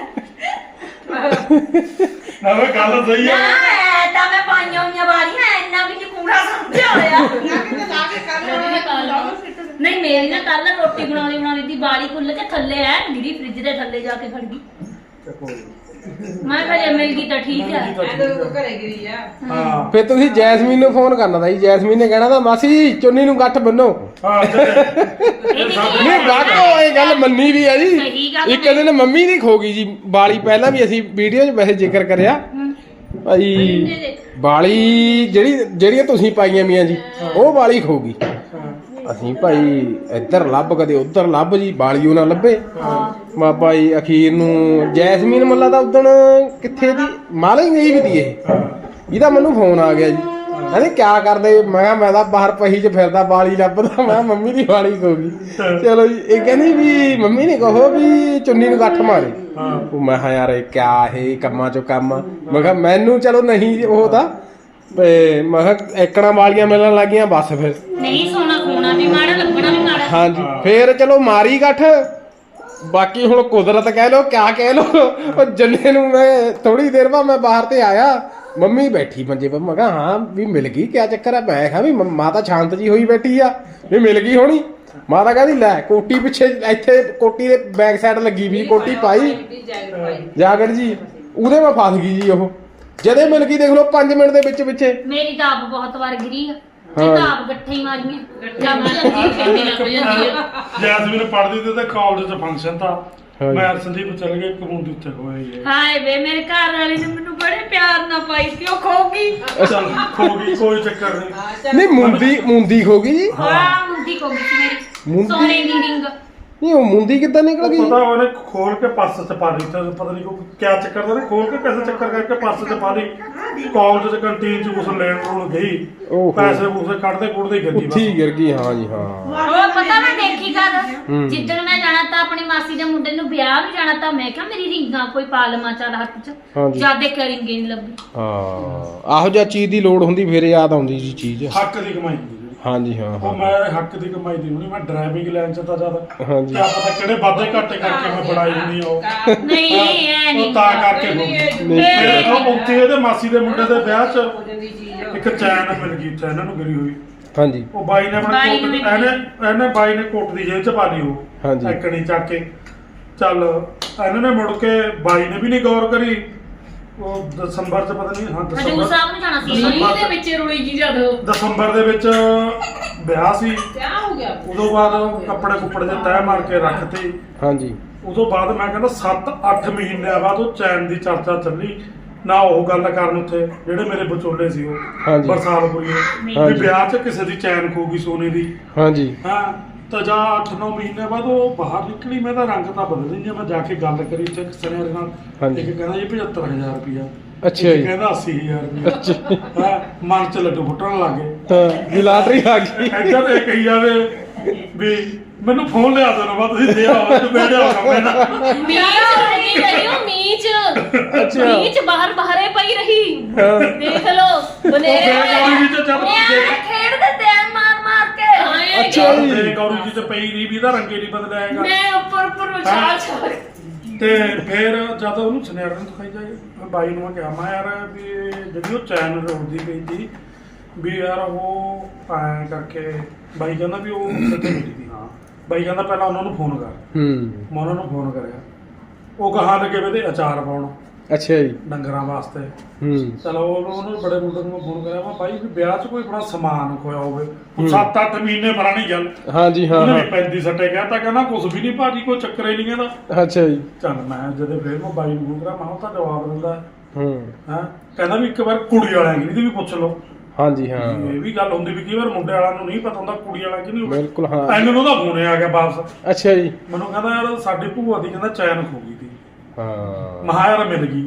Speaker 7: ਨਾ ਵੇ ਗੱਲ ਸਹੀ
Speaker 6: ਨਾ
Speaker 7: ਆ।
Speaker 6: ਤਾਂ ਮੈਂ ਪਾਈਆਂ ਹੋਈਆਂ ਵਾਲੀਆਂ ਇੰਨਾ ਵੀ ਨੀ ਕੂੜਾ ਸਮਝਿਆ ਹੋਇਆ।
Speaker 3: ਨਾ ਕਿਤੇ ਲਾ ਕੇ ਕਰ
Speaker 6: ਨਹੀਂ ਮੇਰੀ ਨਾ ਕੱਲ ਰੋਟੀ ਬਣਾਉਣੀ ਦੀ ਬਾਲੀ ਖੁੱਲ ਕੇ ਥੱਲੇ ਐ ਗਿਰੀ ਫ੍ਰਿਜ ਦੇ ਥੱਲੇ ਜਾ ਕੇ ਖੜ ਗਈ। ਮੈਂ ਕਿਹਾ ਜੇ ਮਿਲ ਗਈ ਤਾਂ ਠੀਕ ਹੈ।
Speaker 7: ਹਾਂ
Speaker 1: ਫਿਰ ਤੁਸੀਂ ਜੈਸਮੀਨ ਨੂੰ ਫੋਨ ਕਰਨਾ ਤਾਂ ਜੀ, ਜੈਸਮੀਨ ਨੇ ਕਹਿਣਾ ਤਾਂ ਮਾਸੀ ਚੁੰਨੀ ਨੂੰ ਗੱਠ ਬੰਨੋ।
Speaker 7: ਹਾਂ
Speaker 1: ਨਹੀਂ ਗੱਠ ਇਹ ਗੱਲ ਮੰਨੀ ਵੀ ਆ ਜੀ।
Speaker 6: ਸਹੀ ਗੱਲ
Speaker 1: ਇੱਕ ਦਿਨ ਮੰਮੀ ਦੀ ਖੋ ਗਈ ਜੀ ਬਾਲੀ, ਪਹਿਲਾਂ ਵੀ ਅਸੀਂ ਵੀਡੀਓ 'ਚ ਵੈਸੇ ਜ਼ਿਕਰ ਕਰਿਆ ਭਾਈ, ਬਾਲੀ ਜਿਹੜੀਆਂ ਤੁਸੀਂ ਪਾਈਆਂ ਮੀਆਂ ਜੀ ਉਹ ਬਾਲੀ ਖੋ ਗਈ। ਅਸੀਂ ਭਾਈ ਇੱਧਰ ਲੱਭ ਕਦੇ ਉੱਧਰ ਲੱਭ ਜੀ, ਬਾਲੀ ਉਹ ਨਾ ਲੱਭੇ। ਬਾਬਾ ਜੀ ਅਖੀਰ ਨੂੰ ਜੈਸਮੀਨ ਮੁੱਲਾ ਦਾ ਉਦਣ ਕਿੱਥੇ ਦੀ ਮਾਲਾ ਹੀ ਗਈ ਵੀ ਦੀ ਇਹ, ਇਹਦਾ ਮੈਨੂੰ ਫੋਨ ਆ ਗਿਆ ਜੀ, ਕਹਿੰਦੇ ਕਿਆ ਕਰਦੇ? ਮੈਂ ਕਿਹਾ ਮੈਂ ਤਾਂ ਬਾਹਰ ਪਹੀ 'ਚ ਫਿਰਦਾ ਬਾਲੀ ਲੱਭਦਾ। ਮੈਂ ਕਿਹਾ ਮੰਮੀ ਦੀ ਬਾਲੀ ਖੋ ਗਈ। ਚਲੋ ਜੀ, ਇਹ ਕਹਿੰਦੀ ਵੀ ਮੰਮੀ ਨੇ ਕਹੋ ਵੀ ਚੁੰਨੀ ਨੂੰ ਗੱਠ ਮਾਰੇ। ਉਹ ਮੈਂ ਕਿਹਾ ਯਾਰ ਇਹ ਕਿਆ ਇਹ ਕੰਮਾਂ 'ਚੋਂ ਕੰਮ। ਮੈਂ ਕਿਹਾ ਮੈਨੂੰ ਚਲੋ ਨਹੀਂ ਉਹ ਤਾਂ ਮੈਂ ਕਿਹਾ ਏਕੜਾਂ ਵਾਲੀਆਂ ਮਿਲਣ ਲੱਗੀਆਂ ਬਸ ਫਿਰ
Speaker 6: ਨਹੀਂ ਸੋਨਾ ਖੋਣਾ ਵੀ ਮਾੜਾ ਲੱਗਣਾ ਵੀ ਮਾੜਾ।
Speaker 1: ਹਾਂਜੀ ਫੇਰ ਚਲੋ ਮਾਰੀ ਗੱਠ। ਬਾਕੀ ਹੁਣ ਕੁਦਰਤ ਕਹਿ ਲੋ ਕਿਆ ਕਹਿ ਲੋ, ਉਹ ਜੰਨੇ ਨੂੰ ਮੈਂ ਥੋੜੀ ਦੇਰ ਬਾਅਦ ਮੈਂ ਬਾਹਰ ਤੇ ਆਇਆ, ਮੰਮੀ ਬੈਠੀ ਮੰਜੇ ਪਰ। ਮੈਂ ਕਿਹਾ ਹਾਂ ਵੀ ਮਿਲ ਗਈ, ਕਿਆ ਚੱਕਰ ਆ? ਮੈਂ ਕਿਹਾ ਵੀ ਮਾਤਾ ਸ਼ਾਂਤ ਜੀ ਹੋਈ ਬੈਠੀ ਆ ਵੀ ਮਿਲ ਗਈ ਹੋਣੀ। ਮਾਤਾ ਕਹਿੰਦੀ ਲੈ ਕੋਟੀ ਪਿੱਛੇ ਇੱਥੇ ਕੋਟੀ ਦੇ ਬੈਕ ਸਾਈਡ ਲੱਗੀ ਵੀ ਕੋਟੀ ਪਾਈ ਜਾਗਰ ਜੀ, ਉਹਦੇ ਮੈਂ ਫਸ ਗਈ ਜੀ। ਉਹ ਜਦੇ ਮਿਲ ਗਈ ਦੇਖ ਲਓ 5 ਮਿੰਟ ਦੇ ਵਿੱਚ ਪਿੱਛੇ।
Speaker 6: ਮੇਰੀ ਤਾਂ ਆਪ ਬਹੁਤ ਵਾਰ ਗਿਰੀ ਆ।
Speaker 1: ਹਾਂ।
Speaker 6: ਕਿਤਾਬ ਗੱਠੇ ਹੀ ਮਾਰੀਆਂ ਜੰਮ
Speaker 2: ਕਹਿੰਦੀ ਲੱਗ ਜਾਂਦੀ ਆ।
Speaker 7: ਜੈਸਮੀਨ ਪੜ੍ਹਦੀ ਤੇ ਕਾਲਜ 'ਚ ਫੰਕਸ਼ਨ ਤਾਂ
Speaker 1: ਹਾਂਜੀ।
Speaker 7: ਮੈਂ ਸੰਦੀਪ ਚੱਲ ਗਏ ਕਮੂੰਡੀ ਉੱਥੇ ਹੋਏ ਹੀ
Speaker 6: ਹਾਏ ਵੇ ਮੇਰੇ ਘਰ ਵਾਲੇ ਨੇ ਮੈਨੂੰ ਬੜੇ ਪਿਆਰ ਨਾਲ ਪਾਈ ਸੀ ਉਹ ਖੋ ਗਈ
Speaker 7: ਚੱਲ ਖੋ ਗਈ ਕੋਈ ਚੱਕਰ ਨਹੀਂ।
Speaker 1: ਨਹੀਂ ਮੁੰਦੀ ਹੋ ਗਈ ਜੀ।
Speaker 6: ਹਾਂ ਮੁੰਦੀ ਖੋ ਗਈ ਸੀ ਮੇਰੀ
Speaker 1: ਮੁੰਦੀ?
Speaker 6: ਸੋਨੇ ਦੀ ਰਿੰਗ
Speaker 1: ਨਹੀਂ ਉਹ ਮੁੰਦੀ ਕਿੱਦਾਂ ਨਿਕਲ ਗਈ?
Speaker 7: ਪਤਾ ਉਹਨੇ ਖੋਲ ਕੇ ਪਰਸ 'ਚ ਪਾ ਲਈ ਤੇ ਪਤਾ ਨਹੀਂ ਕੋਈ ਕਿਆ ਚੱਕਰ ਦਾ ਨੇ ਖੋਲ ਕੇ ਕਿਸੇ ਚੱਕਰ ਕਰਕੇ ਪਰਸ 'ਚ ਪਾ ਲਈ ਕਾਲਜ 'ਚ ਕੰਟੀਨ 'ਚ ਕੁਛ ਲੈਣ ਨੂੰ ਗਈ
Speaker 1: ਓਹੋ।
Speaker 7: ਪੈਸੇ ਪੂਸੇ ਕੱਢਦੇ ਕੁੱਢਦੇ ਹੀ ਗੱਡੀ
Speaker 1: ਉੱਥੇ ਹੀ ਗਿਰ ਗਈ। ਹਾਂ ਜੀ ਹਾਂ।
Speaker 6: ਉਹ ਪਤਾ ਮੈਂ ਦੇਖੀ ਕਰ
Speaker 1: ਹੂੰ।
Speaker 6: ਜਿੱਦਣ ਮੈਂ ਜਾਣਾ ਤਾਂ ਆਪਣੀ ਮਾਸੀ ਦੇ ਮੁੰਡੇ ਨੂੰ ਵਿਆਹ ਨੂੰ ਜਾਣਾ ਤਾਂ ਮੈਂ ਕਿਹਾ ਮੇਰੀ ਰਿੰਗਾਂ ਕੋਈ ਪਾ ਲਵਾਂ ਚੱਲ ਹੱਥ 'ਚ
Speaker 1: ਹਾਂਜੀ।
Speaker 6: ਜਦ ਦੇਖ ਰਿੰਗੇ ਨਹੀਂ ਲੱਭੀ
Speaker 1: ਹਾਂ ਆਹੋ ਜਿਹਾ ਚੀਜ਼ ਦੀ ਲੋੜ ਹੁੰਦੀ ਫਿਰ ਯਾਦ ਆਉਂਦੀ ਜੀ ਚੀਜ਼।
Speaker 7: ਹੱਕ ਦੀ ਕਮਾਈ ਹੁੰਦੀ ਜਿਹੜੀ।
Speaker 1: ਹਾਂ ਜੀ ਹਾਂ
Speaker 7: ਉਹ
Speaker 1: ਹਾਂ।
Speaker 7: ਮੈਂ ਹੱਕ ਦੀ ਕਮਾਈ ਦੀ ਹੋਣੀ ਮੈਂ ਡਰਾਈਵਿੰਗ ਲਾਈਨ 'ਚ ਤਾਂ ਜ਼ਿਆਦਾ
Speaker 1: ਹਾਂਜੀ।
Speaker 7: ਕਿਆ ਪਤਾ ਕਿਹੜੇ ਵਾਧੇ ਘਾਟੇ ਕਰਕੇ ਮੈਂ ਬਣਾਈ ਹੁੰਦੀ ਆ ਉਹ
Speaker 6: ਨਹੀਂ ਐ
Speaker 7: ਉਹ
Speaker 6: ਨਹੀਂ
Speaker 7: ਤਾਂ ਕਰਕੇ ਹੋ ਗਈ। ਫਿਰ ਉਹ ਉੱਥੇ ਇਹਦੇ ਮਾਸੀ ਦੇ ਮੁੰਡੇ ਦੇ ਵਿਆਹ 'ਚ ਇੱਕ ਚੈਨ ਮਿਲ ਗਈ ਉੱਥੇ ਇਹਨਾਂ ਨੂੰ ਗਿਰੀ ਹੋਈ।
Speaker 1: ਹਾਂਜੀ
Speaker 7: ਉਹ ਬਾਈ ਨੇ ਆਪਣਾ
Speaker 6: ਬਾਈ
Speaker 7: ਕੋਟ
Speaker 6: ਨੂੰ
Speaker 7: ਇਹਨੇ ਬਾਈ ਨੇ ਕੋਟ ਦੀ ਜੇਬ 'ਚ ਪਾ ਲਈ ਉਹ
Speaker 1: ਹਾਂਜੀ।
Speaker 7: ਐਕਣੀ ਚੱਕ ਕੇ ਚੱਲ ਇਹਨਾਂ ਨੇ ਮੁੜ ਕੇ ਬਾਈ ਨੇ ਵੀ ਨਹੀਂ ਗੌਰ ਕਰੀ। ਉਹ ਦਸੰਬਰ 'ਚ ਪਤਾ ਨਹੀਂ ਹਾਂ
Speaker 6: ਹਜੂਰ
Speaker 7: ਦਸੰਬਰ
Speaker 6: ਸਾਹਿਬ ਨੂੰ ਜਾਣਾ ਸੀ
Speaker 2: ਮੀਂਹ ਦੇ ਵਿੱਚ ਰੁੜੀ ਜੀ ਜਦੋਂ
Speaker 7: ਦਸੰਬਰ ਦੇ ਵਿੱਚ ਵਿਆਹ ਸੀ।
Speaker 2: ਕਿਆ ਹੋ ਗਿਆ?
Speaker 7: ਉਦੋਂ ਬਾਅਦ ਕੱਪੜੇ ਕੁੱਪੜੇ ਦੇ ਤੈਅ ਮਾਰ ਕੇ ਰੱਖਤੇ।
Speaker 1: ਹਾਂਜੀ
Speaker 7: ਉਦੋਂ ਬਾਅਦ ਮੈਂ ਕਹਿੰਦਾ 7-8 ਮਹੀਨਿਆਂ ਬਾਅਦ ਉਹ ਚੈਨ ਦੀ ਚਰਚਾ ਚੱਲੀ ਨਾ ਉਹ ਗੱਲ ਕਰਨ ਉੱਥੇ ਜਿਹੜੇ ਮੇਰੇ ਵਿਚੋਲੇ ਸੀ ਉਹ
Speaker 1: ਹਾਂਜੀ।
Speaker 7: ਬਰਸਾਤ ਹੋਈ
Speaker 1: ਹਾਂਜੀ।
Speaker 7: ਵੀ ਵਿਆਹ 'ਚ ਕਿਸੇ ਦੀ ਚੈਨ ਖੋ ਗਈ ਸੋਨੇ ਦੀ।
Speaker 1: ਹਾਂਜੀ
Speaker 7: ਹਾਂ ਤਾਂ ਜਾ 8-9 ਮਹੀਨੇ ਬਾਅਦ ਉਹ ਬਾਹਰ ਨਿਕਲੀ। ਮੈਂ ਤਾਂ ਰੰਗ ਤਾਂ ਬਦਲ ਨਹੀਂ ਮੈਂ ਜਾ ਕੇ ਗੱਲ ਕਰੀ ਤੇ ਸਨੇਰ ਨਾਲ।
Speaker 1: ਹਾਂਜੀ।
Speaker 7: ਇੱਕ ਕਹਿੰਦਾ ਜੀ 75,000 ਰੁਪਇਆ।
Speaker 1: ਅੱਛਾ
Speaker 7: ਇੱਕ
Speaker 1: ਜੀ।
Speaker 7: ਕਹਿੰਦਾ 80,000 ਰੁਪਇਆ। ਹਾਂ ਮਨ 'ਚ ਲੱਡੂ ਫੁੱਟਣ ਲੱਗ ਗਏ।
Speaker 1: ਹਾਂ ਵੀ ਲਾਟਰੀ ਆ ਗਈ।
Speaker 7: ਇੱਧਰ ਇਹ ਕਹੀ ਜਾਵੇ ਵੀ ਮੈਨੂੰ ਫੋਨ ਲਿਆ ਦੇਣਾ ਵਾ ਤੁਸੀਂ ਦੇ ਆਓ ਤੇ ਮੈਂ ਲਿਆਉਣਾ ਪੈਣਾ।
Speaker 2: ਮੀਂਹ ਚ ਰੁੜੀ ਰਹੀ ਉਹ ਮੀਂਹ ਚ।
Speaker 1: ਅੱਛਾ।
Speaker 2: ਮੀਂਹ ਚ ਬਾਹਰੇ ਪਈ ਰਹੀ।
Speaker 1: ਹਾਂ।
Speaker 2: ਦੇਖ ਲਓ ਬਨੇਰੇ
Speaker 7: ਉਹ ਗੌਰੀ ਜੀ ਚ ਚੱਲ
Speaker 6: ਖੇਡਦੇ ਤੇ ਮਾਰ ਕੇ
Speaker 2: ਆਏ
Speaker 1: ਅੱਛਾ ਜੀ।
Speaker 7: ਤੇ ਗੌਰੀ ਜੀ ਚ ਪਈ ਨਹੀਂ ਵੀ ਇਹਦਾ ਰੰਗੇ ਨਹੀਂ ਬਦਲਿਆ ਹੈਗਾ।
Speaker 2: ਮੈਂ ਉੱਪਰ ਉਛਾਲ ਛਾਲ
Speaker 7: ਤੇ ਫਿਰ ਜਦ ਉਹਨੂੰ ਸੁਨਿਆਰੇ ਨੂੰ ਦਿਖਾਈ ਜਾਏ ਮੈਂ ਬਾਈ ਨੂੰ ਮੈਂ ਕਿਹਾ ਮੈਂ ਯਾਰ ਵੀ ਇਹ ਜਿਹੜੀ ਉਹ ਚੈਨ ਰੋੜਦੀ ਪਈ ਸੀ ਵੀ ਯਾਰ ਉਹ ਐਂ ਕਰਕੇ ਬਾਈ ਕਹਿੰਦਾ ਵੀ ਉਹ ਕਿੱਥੇ ਮਿਲੀ ਸੀ। ਹਾਂ ਬਾਈ ਕਹਿੰਦਾ ਪਹਿਲਾਂ ਉਹਨਾਂ ਨੂੰ ਫੋਨ ਕਰ।
Speaker 1: ਹੂੰ
Speaker 7: ਮੈਂ ਉਹਨਾਂ ਨੂੰ ਫੋਨ ਕਰਿਆ ਉਹ ਕਹਾਂ ਲੱਗੇ ਵੇ ਤੇ ਅਚਾਰ ਪਾਉਣ
Speaker 1: ਅੱਛਾ ਜੀ।
Speaker 7: ਡੰਗਰਾਂ ਵਾਸਤੇ।
Speaker 1: ਹੂੰ
Speaker 7: ਚਲੋ ਉਹਨੂੰ ਬੜੇ ਮੁੰਡੇ ਨੂੰ ਫੋਨ ਕਰਿਆ ਮੈਂ ਬਾਈ ਵੀ ਵਿਆਹ 'ਚ ਕੋਈ ਆਪਣਾ ਸਮਾਨ ਖੋਇਆ ਹੋਵੇ। 7-8 ਮਹੀਨੇ ਪੁਰਾਣੀ ਗੱਲ।
Speaker 1: ਹਾਂਜੀ ਹਾਂ
Speaker 7: ਉਹਨੇ
Speaker 1: ਹਾਂ।
Speaker 7: ਵੀ 35 ਸੱਟੇ ਕਹਿਤਾ ਕਹਿੰਦਾ ਕੁਝ ਵੀ ਨਹੀਂ ਭਾਜੀ ਕੋਈ ਚੱਕਰ ਹੀ ਨਹੀਂ ਕਹਿੰਦਾ।
Speaker 1: ਅੱਛਾ ਜੀ।
Speaker 7: ਚੱਲ ਮੈਂ ਜਦੋਂ ਫੇਰ ਮੈਂ ਬਾਈ ਨੂੰ ਫੋਨ ਕਰਿਆ ਮੈਂ ਉਹ ਤਾਂ ਜਵਾਬ ਦਿੰਦਾ
Speaker 1: ਹੂੰ
Speaker 7: ਹਾਂ ਕਹਿੰਦਾ ਵੀ ਇੱਕ ਵਾਰ ਕੁੜੀ ਵਾਲਿਆਂ ਦੀ ਵੀ ਪੁੱਛ ਲਓ।
Speaker 1: ਹਾਂਜੀ ਹਾਂ
Speaker 7: ਇਹ ਵੀ ਗੱਲ ਹੁੰਦੀ ਵੀ ਕਈ ਵਾਰ ਮੁੰਡੇ ਵਾਲਿਆਂ ਨੂੰ ਨਹੀਂ ਪਤਾ ਹੁੰਦਾ ਕੁੜੀ ਵਾਲਾ ਕਿ ਨਹੀਂ।
Speaker 1: ਬਿਲਕੁਲ ਹਾਂ।
Speaker 7: ਐਨੂੰ ਉਹਦਾ ਫੋਨ ਆ ਗਿਆ ਵਾਪਸ।
Speaker 1: ਅੱਛਾ ਜੀ।
Speaker 7: ਮੈਨੂੰ ਕਹਿੰਦਾ ਯਾਰ ਸਾਡੀ ਭੂਆ ਦੀ ਕਹਿੰਦਾ ਚੈਨ ਖੋ ਗਈ ਸੀ।
Speaker 1: ਹਾਂ
Speaker 7: ਮਹਾ ਯਾਰ ਮਿਲ ਗਈ।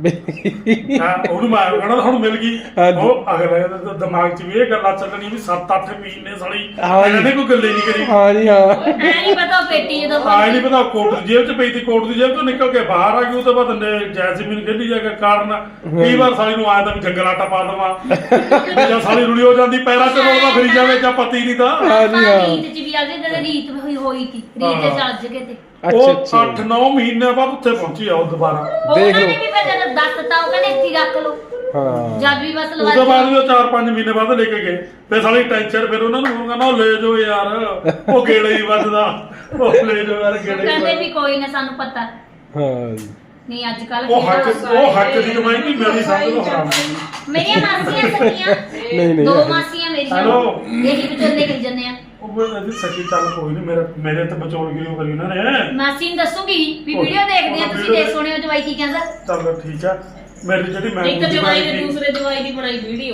Speaker 7: ਹਾਂ ਉਹਨੂੰ ਮੈਂ ਕਹਿੰਦਾ ਹੁਣ ਮਿਲ ਗਈ।
Speaker 1: ਹਾਂਜੀ।
Speaker 7: ਉਹ ਅਗਲੇ ਦੇ ਦਿਮਾਗ 'ਚ ਵੀ ਇਹ ਗੱਲਾਂ ਚੱਲਣੀ ਵੀ 7-8 ਮਹੀਨੇ ਸਾਲੀ
Speaker 1: ਹਾਂਜੀ।
Speaker 7: ਇਹਨਾਂ ਨੇ ਕੋਈ ਗੱਲੇ ਨਹੀਂ ਕਰੀ।
Speaker 1: ਹਾਂਜੀ ਹਾਂ।
Speaker 6: ਐ ਨਹੀਂ ਪਤਾ ਉਹ ਪੇਟੀ ਜਦੋਂ
Speaker 7: ਆਏ ਨਹੀਂ ਪਤਾ ਕੋਟ ਦੀ ਜੇਬ 'ਚ ਪਈ ਤੀ ਕੋਟ ਦੀ ਜੇਬ 'ਚੋਂ ਨਿਕਲ ਕੇ ਬਾਹਰ ਆ ਗਈ। ਉਹ ਤੋਂ ਬਾਅਦ ਜੈਸਮੀਨ ਖੇਡੀ ਜਾ ਕੇ ਕਾਰਨ ਕਈ ਵਾਰ ਸਾਲੀ ਨੂੰ ਆਇਆ ਤਾਂ ਵੀ ਜੰਗਲ ਆਟਾ ਪਾ ਦੇਵਾਂ ਜਾਂ ਸਾਲੀ ਰੁਲੀ ਹੋ ਜਾਂਦੀ ਪੈਰਾਂ 'ਚ ਰੋਲਦਾ ਫਿਰੀ ਜਾਵੇ ਜਾਂ ਪਤੀ ਨਹੀਂ ਤਾਂ।
Speaker 1: ਹਾਂਜੀ ਹਾਂ।
Speaker 6: ਰੀਤ ਚ ਵੀ ਆ ਗਏ ਜਦੋਂ ਰੀਤ ਹੋਈ ਸੀ ਰੀਤ ਦੇ ਚੱਜ ਕੇ ਤੇ
Speaker 1: ਅੱਛਾ
Speaker 7: ਉਹ
Speaker 1: ਅੱਛਾ
Speaker 7: 8-9 ਮਹੀਨੇ ਬਾਅਦ ਉੱਥੇ ਪਹੁੰਚੀ ਆ ਉਹ ਦੁਬਾਰਾ।
Speaker 1: ਦੇਖ
Speaker 6: ਉਹਨਾਂ
Speaker 1: ਲਓ।
Speaker 6: ਨੇ ਵੀ ਫਿਰ ਜਦੋਂ ਦੱਸਤਾ ਉਹ ਕਹਿੰਦੇ ਇੱਥੇ ਹੀ ਰੱਖ ਲਓ
Speaker 1: ਹਾਂ
Speaker 6: ਜਦ ਵੀ ਬਸ
Speaker 7: ਉਸ ਤੋਂ ਬਾਅਦ ਵੀ ਉਹ 4-5 ਮਹੀਨੇ ਬਾਅਦ ਲੈ ਕੇ ਗਏ। ਫਿਰ ਸਾਲੀ ਟੈਨਸ਼ਨ ਫਿਰ ਉਹਨਾਂ ਨੂੰ ਫੋਨ ਕਰਨਾ ਉਹ ਲੈ ਜਾਓ ਯਾਰ ਉਹ ਗੇੜੇ ਹੀ ਵੱਜਦਾ ਉਹ ਲੈ ਜਾਓ ਯਾਰ ਗੇੜੇ ਹੀ
Speaker 6: ਕਹਿੰਦੇ ਵੀ
Speaker 7: ਵੱਜਦਾ।
Speaker 6: ਕੋਈ ਨਾ ਸਾਨੂੰ ਪਤਾ
Speaker 1: ਹਾਂ ਜੀ।
Speaker 6: ਨਹੀਂ ਅੱਜ ਕੱਲ
Speaker 7: ਉਹ ਹੱਕ ਦੀ ਕਮਾਈ ਨਹੀਂ ਮੇਰੀ ਸਮਝ ਲਓ ਹਰਾਮ ਦੀ।
Speaker 6: ਮੇਰੀਆਂ ਮਾਸੀਆਂ ਸਖੀਆਂ
Speaker 1: ਨਹੀਂ ਨਹੀਂ।
Speaker 6: ਦੋ ਮਾਸੀਆਂ ਮੇਰੀਆਂ
Speaker 7: ਹੈਲੋ।
Speaker 6: ਇਹੀ ਵਿਚੋਲੇ ਕਰੀ ਜੰਨੇ ਆ
Speaker 7: ਉਹ ਇਹਦੀ ਸੱਚੀ ਚੱਲ ਕੋਈ ਨਹੀਂ ਮੇਰੇ ਤੇ ਬਚੋਲ ਗਿਓ ਕਰੀ ਉਹਨਾਂ ਨੇ।
Speaker 6: ਮਾਸੀ ਨੂੰ ਦੱਸੂਗੀ ਵੀ ਵੀਡੀਓ ਦੇਖਦੇ ਆ ਤੁਸੀਂ ਦੇਖ ਸੁਣਿਓ ਜਵਾਈ ਕੀ ਕਹਿੰਦਾ
Speaker 7: ਚੱਲ ਠੀਕ ਆ। ਮੇਰੀ ਜਿਹੜੀ ਮੈਂ
Speaker 2: ਇੱਕ ਜਵਾਈ ਨੇ ਦੂਸਰੇ ਜਵਾਈ ਦੀ ਬਣਾਈ ਵੀਡੀਓ।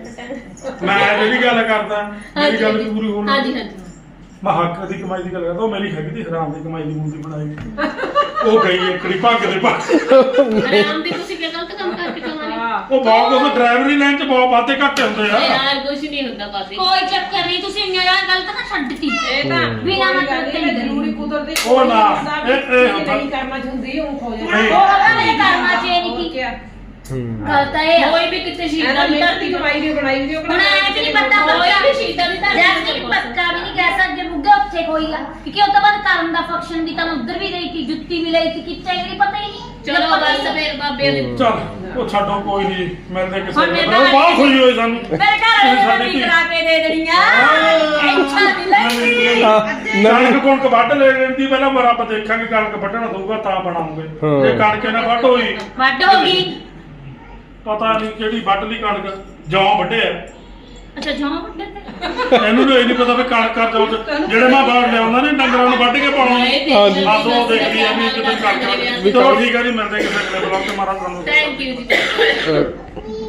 Speaker 7: ਮੈਂ ਜਿਹੜੀ ਗੱਲ ਕਰਦਾ ਮੇਰੀ ਗੱਲ ਵੀ ਪੂਰੀ ਹੋਣੀ।
Speaker 2: ਹਾਂਜੀ ਹਾਂਜੀ
Speaker 7: ਮੈਂ ਹੱਕ ਦੀ ਕਮਾਈ ਦੀ ਗੱਲ ਕਰਦਾ। ਉਹ ਮੇਰੀ ਹੈਗੀ ਤੀ ਹਰਾਮ ਦੀ ਕਮਾਈ ਦੀ ਮੂੰਦੀ ਬਣਾਈ। ਉਹ ਗਈ ਇਕੜੀ ਭੱਗ ਦੇ
Speaker 2: ਆਰਾਮ ਦੀ ਤੁਸੀਂ ਕਿਹਾ ਗਲਤ ਕੰਮ ਕਰਕੇ ਚਲਾਉਣੀ।
Speaker 7: ਉਹ ਬਹੁਤ ਕੁਝ ਡਰਾਈਵਰੀ ਲਾਈਨ 'ਚ ਬਹੁਤ ਵਾਧੇ ਘੱਟੇ ਹੁੰਦੇ ਆ।
Speaker 2: ਯਾਰ ਕੁਝ ਨਹੀਂ ਹੁੰਦਾ ਬਾਬੇ।
Speaker 6: ਕੋਈ ਚੱਕਰ ਨਹੀਂ ਤੁਸੀਂ ਇੰਨਾ ਗਲਤ ਨਾ ਛੱਡਤੀ
Speaker 3: ਇਹ ਤਾਂ
Speaker 6: ਬਿਨਾਂ ਮਤਲਬ ਤੇ ਨਹੀਂ
Speaker 3: ਜ਼ਰੂਰੀ ਕੁਦਰਤੀ
Speaker 7: ਉਹ ਨਾ, ਇਹ
Speaker 3: ਨਹੀਂ ਕਰਨਾ ਚਾਹੁੰਦੀ ਉਹ ਖੋ
Speaker 7: ਨਹੀਂ।
Speaker 3: ਜਾਂਦਾ
Speaker 6: ਉਹ ਕਹਿੰਦਾ ਮੇਰੇ ਕਰਨਾ ਚਾਹੀਏ ਨਹੀਂ ਕੀ
Speaker 1: ਹੂੰ
Speaker 6: ਗਲਤ ਹੈ
Speaker 2: ਕੋਈ ਵੀ ਕਿਤੇ ਸ਼ੀਟਾਂ
Speaker 3: ਇਹਦਾ
Speaker 2: ਦੀ
Speaker 3: ਮਿਹਨਤ
Speaker 2: ਧਰਤੀ
Speaker 3: ਦੀ ਕਮਾਈ ਵੀ ਬਣਾਈ ਵੀ ਉਹ
Speaker 6: ਹੁਣ ਐ ਵੀ ਨਹੀਂ ਪਤਾ
Speaker 2: ਕੋਈ
Speaker 6: ਪੱਕਾ
Speaker 2: ਵੀ ਸ਼ੀਟਾਂ ਦੀ ਧਰਤੀ
Speaker 6: ਜੈਸਮੀਨ ਪੱਕਾ ਵੀ ਨਹੀਂ ਕਹਿ ਸਕਦੇ ਬੁੱਗਾ ਉੱਥੇ ਕੋਈ ਆ ਕਿਉਂਕਿ ਉਹ ਤੋਂ ਬਾਅਦ ਕਰਨ ਦਾ ਫੰਕਸ਼ਨ ਵੀ ਤਾਂ ਮੈਂ ਉੱਧਰ ਵੀ ਗਈ ਸੀ ਜੁੱਤੀ ਵੀ ਲਈ ਸੀ ਕਿੱਥੇ ਗਈ ਪਤਾ ਹੀ ਨਹੀਂ
Speaker 2: ਚਲੋ ਬਸ ਫਿਰ ਬਾਬੇ ਦੇ
Speaker 7: ਚੱਲ ਉਹ ਛੱਡੋ ਕੋਈ ਨਹੀਂ ਮਿਲਦੇ ਕਿਸੇ
Speaker 6: ਹੁਣ
Speaker 7: ਨੂੰ
Speaker 6: ਮੇਰਾ
Speaker 7: ਬਹੁਤ ਖੁਸ਼ੀ ਹੋਈ ਸਾਨੂੰ।
Speaker 6: ਮੇਰੇ ਘਰ ਵਾਲੇ ਨੇ ਵੀ ਕਰਾ ਕੇ ਦੇ ਦੇਣੀਆਂ ਅੱਛਾ ਨਹੀਂ ਲੱਗਦੀ
Speaker 7: ਕਣਕ ਕੁਣਕ ਵੱਢ ਲੈ ਲੈਂਦੀ ਪਹਿਲਾਂ ਪਰ ਆਪਾਂ ਦੇਖਾਂਗੇ ਕਣਕ ਵੱਢਣਾ ਦਊਗਾ ਤਾਂ ਬਣਾਉਂਗੇ।
Speaker 1: ਹਾਂ।
Speaker 7: ਜੇ ਕਣਕ ਨਾ ਵੱਢ ਹੋਈ
Speaker 6: ਵੱਡ ਹੋ ਗਈ
Speaker 7: ਪਤਾ ਨਹੀਂ ਕਿਹੜੀ ਵੱਢ ਲਈ ਕਣਕ ਜੌਂ ਵੱਢਿਆ
Speaker 6: ਅੱਛਾ ਜੌਂ ਵੱਢੇ ਤੇ
Speaker 7: ਇਹਨੂੰ ਤਾਂ ਇਹ ਨਹੀਂ ਪਤਾ ਵੀ ਕਣਕ ਕਰ ਜਾਓ ਜਿਹੜੇ ਮੈਂ ਬਾਹਰ ਲਿਆਉਂਦਾ ਨੇ ਡੰਗਰਾਂ ਨੂੰ ਵੱਢ ਕੇ ਪਾਉਣਾ
Speaker 1: ਹਾਂਜੀ।
Speaker 7: ਬਸ ਉਹ ਦੇਖਦੀ ਆ ਵੀ ਕਿਤੇ ਕਣਕ ਚਲੋ ਠੀਕ ਆ ਜੀ ਮਿਲਦੇ ਕਿਸੇ ਅਗਲੇ ਬਲੌਗ ਤੇ ਮਾਰਾ ਤੁਹਾਨੂੰ
Speaker 2: ਥੈਂਕ ਯੂ ਜੀ।